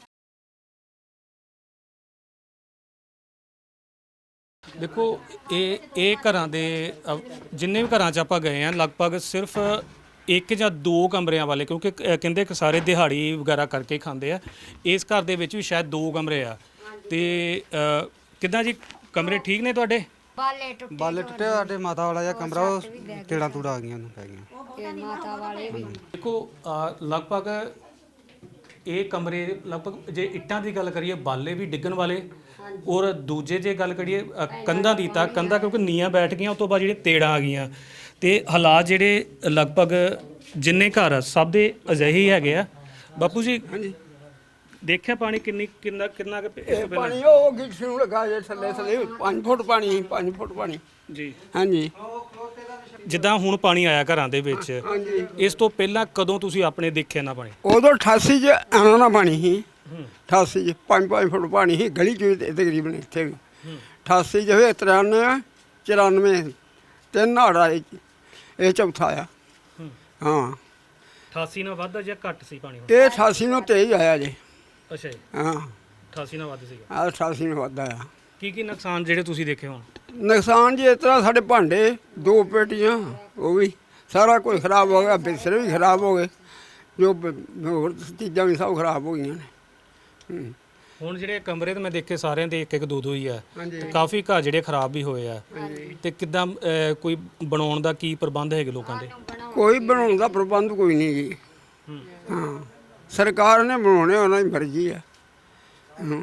Speaker 3: ਦੇਖੋ ਇਹ ਇਹ ਘਰਾਂ ਦੇ ਅ, ਜਿੰਨੇ ਵੀ ਘਰਾਂ 'ਚ ਆਪਾਂ ਗਏ ਆ ਲਗਭਗ ਸਿਰਫ ਇੱਕ ਜਾਂ ਦੋ ਕਮਰਿਆਂ ਵਾਲੇ, ਕਿਉਂਕਿ ਕ- ਕਹਿੰਦੇ ਕਿ ਸਾਰੇ ਦਿਹਾੜੀ ਵਗੈਰਾ ਕਰਕੇ ਖਾਂਦੇ ਆ। ਇਸ ਘਰ ਦੇ ਵਿੱਚ ਵੀ ਸ਼ਾਇਦ ਦੋ ਕਮਰੇ ਆ। ਤੇ ਅ, ਕਿੱਦਾਂ ਜੀ, ਕਮਰੇ ਠੀਕ ਨੇ ਤੁਹਾਡੇ?
Speaker 10: ਬਾਲੇ ਟੁੱਟੇ ਸਾਡੇ ਮਾਤਾ ਵਾਲਾ ਜਿਹਾ ਕਮਰਾ ਉਹ ਟੇੜਾਂ ਟੂੜਾਂ ਆ ਗਈਆਂ ਉਹਨੂੰ ਪੈ ਗਈਆਂ।
Speaker 3: ਦੇਖੋ ਅ, ਲਗਭਗ ਇਹ ਕਮਰੇ ਲਗਭਗ ਜੇ ਇੱਟਾਂ ਦੀ ਗੱਲ ਕਰੀਏ ਬਾਲੇ ਵੀ ਡਿੱਗਣ ਵਾਲੇ, ਔਰ ਦੂਜੇ ਜੇ ਗੱਲ ਕਰੀਏ ਅ, ਕੰਧਾਂ ਦੀ ਤਾਂ ਕੰਧਾਂ ਕਿਉਂਕਿ ਨੀਆਂ ਬੈਠ ਗਈਆਂ, ਉਸ ਤੋਂ ਬਾਅਦ ਜਿਹੜੇ ਤੇੜਾਂ ਆ ਗਈਆਂ ਤੇ ਹਾਲਾਤ ਜਿਹੜੇ ਲਗਭਗ ਜਿੰਨੇ ਘਰ ਆ ਸਭ ਦੇ ਅਜਿਹੇ ਹੀ ਹੈਗੇ ਆ। ਬਾਪੂ ਜੀ ਦੇਖਿਆ ਪਾਣੀ ਕਿੰਨੀ ਕਿੰਨਾ ਕਿੰਨਾ ਕੁ ਇਸ ਤੋਂ ਪਹਿਲਾਂ?
Speaker 1: ਪਾਣੀ ਉਹ ਗਿੱਠ ਨੂੰ ਲਗਾ ਜੇ ਥੱਲੇ ਥੱਲੇ ਪੰਜ ਫੁੱਟ ਪਾਣੀ ਸੀ, ਪੰਜ ਫੁੱਟ ਪਾਣੀ।
Speaker 3: ਜੀ,
Speaker 1: ਹਾਂਜੀ
Speaker 3: ਜਿੱਦਾਂ ਹੁਣ ਪਾਣੀ ਆਇਆ ਘਰਾਂ ਦੇ ਵਿੱਚ,
Speaker 1: ਹਾਂਜੀ।
Speaker 3: ਇਸ ਤੋਂ ਪਹਿਲਾਂ ਕਦੋਂ ਤੁਸੀਂ ਆਪਣੇ ਦੇਖਿਆ ਨਾ ਪਾਣੀ?
Speaker 1: ਉਦੋਂ ਅਠਾਸੀ ਚ ਆਣਾ ਨਾ ਪਾਣੀ ਸੀ। ਅਠਾਸੀ ਚ ਪੰਜ ਪੰਜ ਫੁੱਟ ਪਾਣੀ ਸੀ ਗਲੀ ਚ ਵੀ ਤੇ ਤਕਰੀਬਨ ਇੱਥੇ ਵੀ। ਅਠਾਸੀ ਚ ਹੋਏ ਤਰਾਨਵੇਂ ਚੁਰਾਨਵੇਂ ਤਿੰਨ ਹੜ ਆਏ ਜੀ। ਇਹ ਚੌਥਾ ਆ। ਹਾਂ
Speaker 3: ਅਠਾਸੀ ਨਾਲ ਵੱਧ ਜਾਂ ਘੱਟ ਸੀ ਪਾਣੀ?
Speaker 1: ਇਹ ਅਠਾਸੀ ਨੂੰ ਤੇਜ਼ ਆਇਆ ਜੀ।
Speaker 3: ਅੱਛਾ ਜੀ,
Speaker 1: ਹਾਂ
Speaker 3: ਅਠਾਸੀ ਨਾਲ ਵੱਧ ਸੀਗਾ।
Speaker 1: ਆਹ ਅਠਾਸੀ ਨੂੰ ਵੱਧ ਆਇਆ।
Speaker 3: ਕੀ ਕੀ ਨੁਕਸਾਨ ਜਿਹੜੇ ਤੁਸੀਂ ਦੇਖੇ ਹੋਣ?
Speaker 1: ਨੁਕਸਾਨ ਜੀ ਇਸ ਤਰ੍ਹਾਂ ਸਾਡੇ ਭਾਂਡੇ ਦੋ ਪੇਟੀਆਂ ਉਹ ਵੀ ਸਾਰਾ ਕੁਝ ਖਰਾਬ ਹੋ ਗਿਆ, ਬਿਸਤਰੇ ਵੀ ਖਰਾਬ ਹੋ ਗਏ, ਜੋ ਬ- ਹੋਰ ਚੀਜ਼ਾਂ ਵੀ ਸਭ ਖਰਾਬ ਹੋ ਗਈਆਂ ਨੇ। ਹੂੰ।
Speaker 3: ਹੁਣ ਜਿਹੜੇ ਕਮਰੇ ਤੇ ਮੈਂ ਦੇਖੇ ਸਾਰਿਆਂ ਦੇ ਇੱਕ ਇੱਕ ਦੋ ਦੋ ਹੀ ਆ,
Speaker 1: ਹਾਂਜੀ।
Speaker 3: ਤੇ ਕਾਫੀ ਘਰ ਜਿਹੜੇ ਖਰਾਬ ਵੀ ਹੋਏ ਆ। ਤੇ ਕਿੱਦਾਂ ਅਹ, ਕੋਈ ਬਣਾਉਣ ਦਾ ਕੀ ਪ੍ਰਬੰਧ ਹੈਗੇ ਲੋਕਾਂ ਦੇ?
Speaker 1: ਕੋਈ ਬਣਾਉਣ ਦਾ ਪ੍ਰਬੰਧ ਕੋਈ ਨਹੀਂ ਜੀ। ਹਾਂ ਸਰਕਾਰ ਨੇ ਬਣਾਉਣੇ, ਉਹਨਾਂ ਦੀ ਮਰਜ਼ੀ ਆ। ਹਾਂ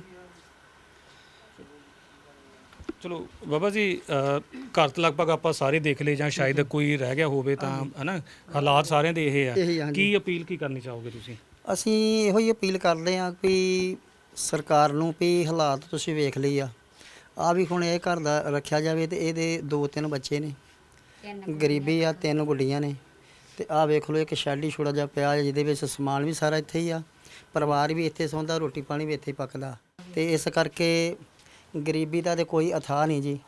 Speaker 3: ਚਲੋ ਬਾਬਾ ਜੀ, ਅਹ, ਘਰ ਤਾਂ ਲਗਭਗ ਆਪਾਂ ਸਾਰੇ ਦੇਖ ਲਏ ਜਾਂ ਸ਼ਾਇਦ ਕੋਈ ਰਹਿ ਗਿਆ ਹੋਵੇ ਤਾਂ ਹਨਾ, ਹਾਲਾਤ ਸਾਰਿਆਂ ਦੇ ਇਹ
Speaker 4: ਇਹੀ ਆ,
Speaker 3: ਆ।
Speaker 4: ਹਾਂਜੀ।
Speaker 3: ਕੀ ਅਪੀਲ ਕੀ ਕਰਨੀ ਚਾਹੋਗੇ ਤੁਸੀਂ?
Speaker 4: ਅਸੀਂ ਇਹੋ ਹੀ ਅਪੀਲ ਕਰਦੇ ਹਾਂ ਵੀ ਸਰਕਾਰ ਨੂੰ ਵੀ ਹਾਲਾਤ ਤੁਸੀਂ ਵੇਖ ਲਈ ਆ ਆ ਵੀ ਹੁਣ ਇਹ ਘਰ ਦਾ ਰੱਖਿਆ ਜਾਵੇ ਤੇ ਇਹਦੇ ਦੋ ਤਿੰਨ ਬੱਚੇ ਨੇ, ਗਰੀਬੀ ਆ, ਤਿੰਨ ਗੁੱਡੀਆਂ ਨੇ ਤੇ ਆਹ ਵੇਖ ਲਓ ਇੱਕ ਸ਼ੈਡ ਹੀ ਛੋੜਾ ਜਿਹਾ ਪਿਆ ਜਿਹਦੇ ਵਿੱਚ ਸਮਾਨ ਵੀ ਸਾਰਾ ਇੱਥੇ ਹੀ ਆ, ਪਰਿਵਾਰ ਵੀ ਇੱਥੇ ਸੌਂਦਾ, ਰੋਟੀ ਪਾਣੀ ਵੀ ਇੱਥੇ ਹੀ ਪੱਕਦਾ ਤੇ ਇਸ ਕਰਕੇ ਗਰੀਬੀ ਦਾ ਤੇ ਕੋਈ ਅਥਾਹ ਨਹੀਂ ਜੀ।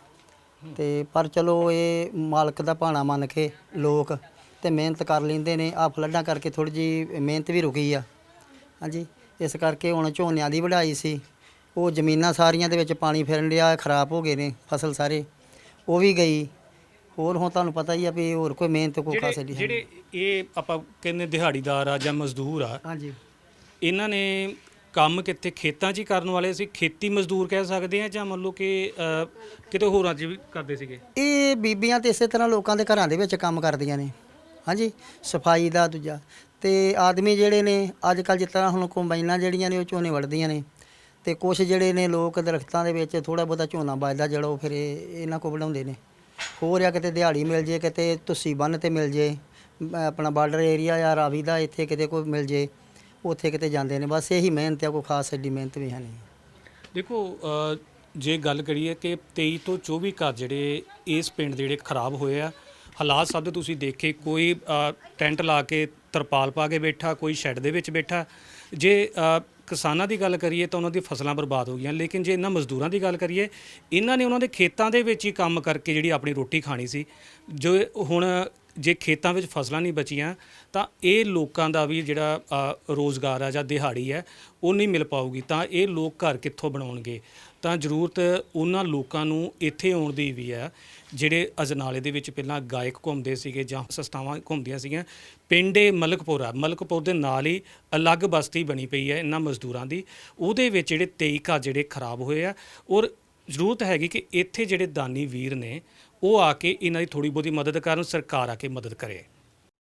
Speaker 4: ਤੇ ਪਰ ਚਲੋ ਇਹ ਮਾਲਕ ਦਾ ਭਾਣਾ ਮੰਨ ਕੇ ਲੋਕ ਤੇ ਮਿਹਨਤ ਕਰ ਲੈਂਦੇ ਨੇ। ਆ ਫਲੱਡਾਂ ਕਰਕੇ ਥੋੜੀ ਜੀ ਮਿਹਨਤ ਵੀ ਰੁਕੀ ਆ। ਹਾਂਜੀ, ਇਸ ਕਰਕੇ ਹੁਣ ਝੋਨਿਆਂ ਦੀ ਵਢਾਈ ਸੀ, ਉਹ ਜ਼ਮੀਨਾਂ ਸਾਰੀਆਂ ਦੇ ਵਿੱਚ ਪਾਣੀ ਫਿਰਨ ਡਿਆ, ਖਰਾਬ ਹੋ ਗਏ ਨੇ ਫਸਲ ਸਾਰੇ, ਉਹ ਵੀ ਗਈ। ਹੋਰ ਹੁਣ ਤੁਹਾਨੂੰ ਪਤਾ ਹੀ ਆ ਵੀ ਹੋਰ ਕੋਈ ਮਿਹਨਤ ਕੋਈ ਖਾਸ
Speaker 3: ਜਿਹੜੇ
Speaker 4: ਨਹੀਂ।
Speaker 3: ਜਿਹੜੇ ਇਹ ਆਪਾਂ ਕਹਿੰਦੇ ਦਿਹਾੜੀਦਾਰ ਆ ਜਾਂ ਮਜ਼ਦੂਰ ਆ,
Speaker 4: ਹਾਂਜੀ,
Speaker 3: ਇਹਨਾਂ ਨੇ ਕੰਮ ਕਿੱਥੇ ਖੇਤਾਂ 'ਚ ਹੀ ਕਰਨ ਵਾਲੇ ਸੀ? ਖੇਤੀ ਮਜ਼ਦੂਰ ਕਹਿ ਸਕਦੇ ਆ ਜਾਂ ਮੰਨ ਲਓ ਕਿ ਅਹ, ਕਿਤੇ ਹੋਰਾਂ 'ਚ ਵੀ ਕਰਦੇ ਸੀਗੇ?
Speaker 4: ਇਹ ਬੀਬੀਆਂ ਤੇ ਇਸੇ ਤਰ੍ਹਾਂ ਲੋਕਾਂ ਦੇ ਘਰਾਂ ਦੇ ਵਿੱਚ ਕੰਮ ਕਰਦੀਆਂ ਨੇ। ਹਾਂਜੀ, ਸਫਾਈ ਦਾ ਦੂਜਾ ਤੇ ਆਦਮੀ ਜਿਹੜੇ ਨੇ ਅੱਜ ਕੱਲ੍ਹ ਜਿਸ ਤਰ੍ਹਾਂ ਹੁਣ ਕੰਬਾਈਨਾਂ ਜਿਹੜੀਆਂ ਨੇ ਉਹ ਝੋਨੇ ਵੱਢਦੀਆਂ ਨੇ ਤੇ ਕੁਛ ਜਿਹੜੇ ਨੇ ਲੋਕ ਦਰਖਤਾਂ ਦੇ ਵਿੱਚ ਥੋੜਾ ਬਹੁਤਾ ਝੋਨਾ ਵੱਜਦਾ ਜਿਹੜਾ ਉਹ ਫਿਰ ਇਹ ਇਹਨਾਂ ਕੋਲ ਵਢਾਉਂਦੇ ਨੇ। ਹੋਰ ਆ ਕਿਤੇ ਦਿਹਾੜੀ ਮਿਲ ਜੇ, ਕਿਤੇ ਤੁਸੀਂ ਬੰਨ੍ਹ ਤੇ ਮਿਲ ਜੇ, ਆਪਣਾ ਬਾਰਡਰ ਏਰੀਆ ਜਾਂ ਰਾਵੀ ਦਾ ਇੱਥੇ ਕਿਤੇ ਕੋਈ ਮਿਲ ਜੇ, ਉੱਥੇ ਕਿਤੇ ਜਾਂਦੇ ਨੇ। ਬਸ ਇਹੀ ਮਿਹਨਤ ਆ, ਕੋਈ ਖਾਸ ਐਡੀ ਮਿਹਨਤ ਵੀ ਹੈ ਨਹੀਂ।
Speaker 3: ਦੇਖੋ ਅ, ਜੇ ਗੱਲ ਕਰੀਏ ਕਿ ਤੇਈ ਤੋਂ ਚੌਵੀ ਘਰ ਜਿਹੜੇ ਇਸ ਪਿੰਡ ਦੇ ਜਿਹੜੇ ਖਰਾਬ ਹੋਏ ਆ, ਹਾਲਾਤ ਸਭ ਦੇ ਤੁਸੀਂ ਦੇਖੇ। ਕੋਈ ਅ, ਟੈਂਟ ਲਾ ਕੇ ਤਰਪਾਲ ਪਾ ਕੇ ਬੈਠਾ, ਕੋਈ ਸ਼ੈੱਡ ਦੇ ਵਿੱਚ ਬੈਠਾ। ਜੇ ਅ, ਕਿਸਾਨਾਂ ਦੀ ਗੱਲ ਕਰੀਏ ਤਾਂ ਉਹਨਾਂ ਦੀ ਫਸਲਾਂ ਬਰਬਾਦ ਹੋ ਗਈਆਂ, ਲੇਕਿਨ ਜੇ ਇਹਨਾਂ ਮਜ਼ਦੂਰਾਂ ਦੀ ਗੱਲ ਕਰੀਏ, ਇਹਨਾਂ ਨੇ ਉਹਨਾਂ ਦੇ ਖੇਤਾਂ ਦੇ ਵਿੱਚ ਹੀ ਕੰਮ ਕਰਕੇ ਜਿਹੜੀ ਆਪਣੀ ਰੋਟੀ ਖਾਣੀ ਸੀ। ਜੋ ਹੁਣ ਜੇ ਖੇਤਾਂ ਵਿੱਚ ਫਸਲਾਂ ਨਹੀਂ ਬਚੀਆਂ ਤਾਂ ਇਹ ਲੋਕਾਂ ਦਾ ਵੀ ਜਿਹੜਾ ਅ, ਰੋਜ਼ਗਾਰ ਆ ਜਾਂ ਦਿਹਾੜੀ ਹੈ ਉਹ ਨਹੀਂ ਮਿਲ ਪਾਊਗੀ। ਤਾਂ ਇਹ ਲੋਕ ਘਰ ਕਿੱਥੋਂ ਬਣਾਉਣਗੇ? ਤਾਂ ਜ਼ਰੂਰਤ ਉਹਨਾਂ ਲੋਕਾਂ ਨੂੰ ਇੱਥੇ ਆਉਣ ਦੀ ਵੀ ਹੈ ਜਿਹੜੇ ਅਜਨਾਲੇ ਦੇ ਵਿੱਚ ਪਹਿਲਾਂ ਗਾਇਕ ਘੁੰਮਦੇ ਸੀਗੇ ਜਾਂ ਸੰਸਥਾਵਾਂ ਘੁੰਮਦੀਆਂ ਸੀਗੀਆਂ। ਪਿੰਡ ਇਹ ਮਲਕਪੁਰ ਆ, ਮਲਕਪੁਰ ਦੇ ਨਾਲ ਹੀ ਅਲੱਗ ਬਸਤੀ ਬਣੀ ਪਈ ਹੈ ਇਹਨਾਂ ਮਜ਼ਦੂਰਾਂ ਦੀ। ਉਹਦੇ ਵਿੱਚ ਜਿਹੜੇ ਤੇਈ ਘਰ ਜਿਹੜੇ ਖਰਾਬ ਹੋਏ ਆ, ਔਰ ਜ਼ਰੂਰਤ ਹੈਗੀ ਕਿ ਇੱਥੇ ਜਿਹੜੇ ਦਾਨੀ ਵੀਰ ਨੇ ਉਹ ਆ ਕੇ ਇਹਨਾਂ ਦੀ ਥੋੜ੍ਹੀ ਬਹੁਤੀ ਮਦਦ ਕਰਨ, ਸਰਕਾਰ ਆ ਕੇ ਮਦਦ ਕਰੇ।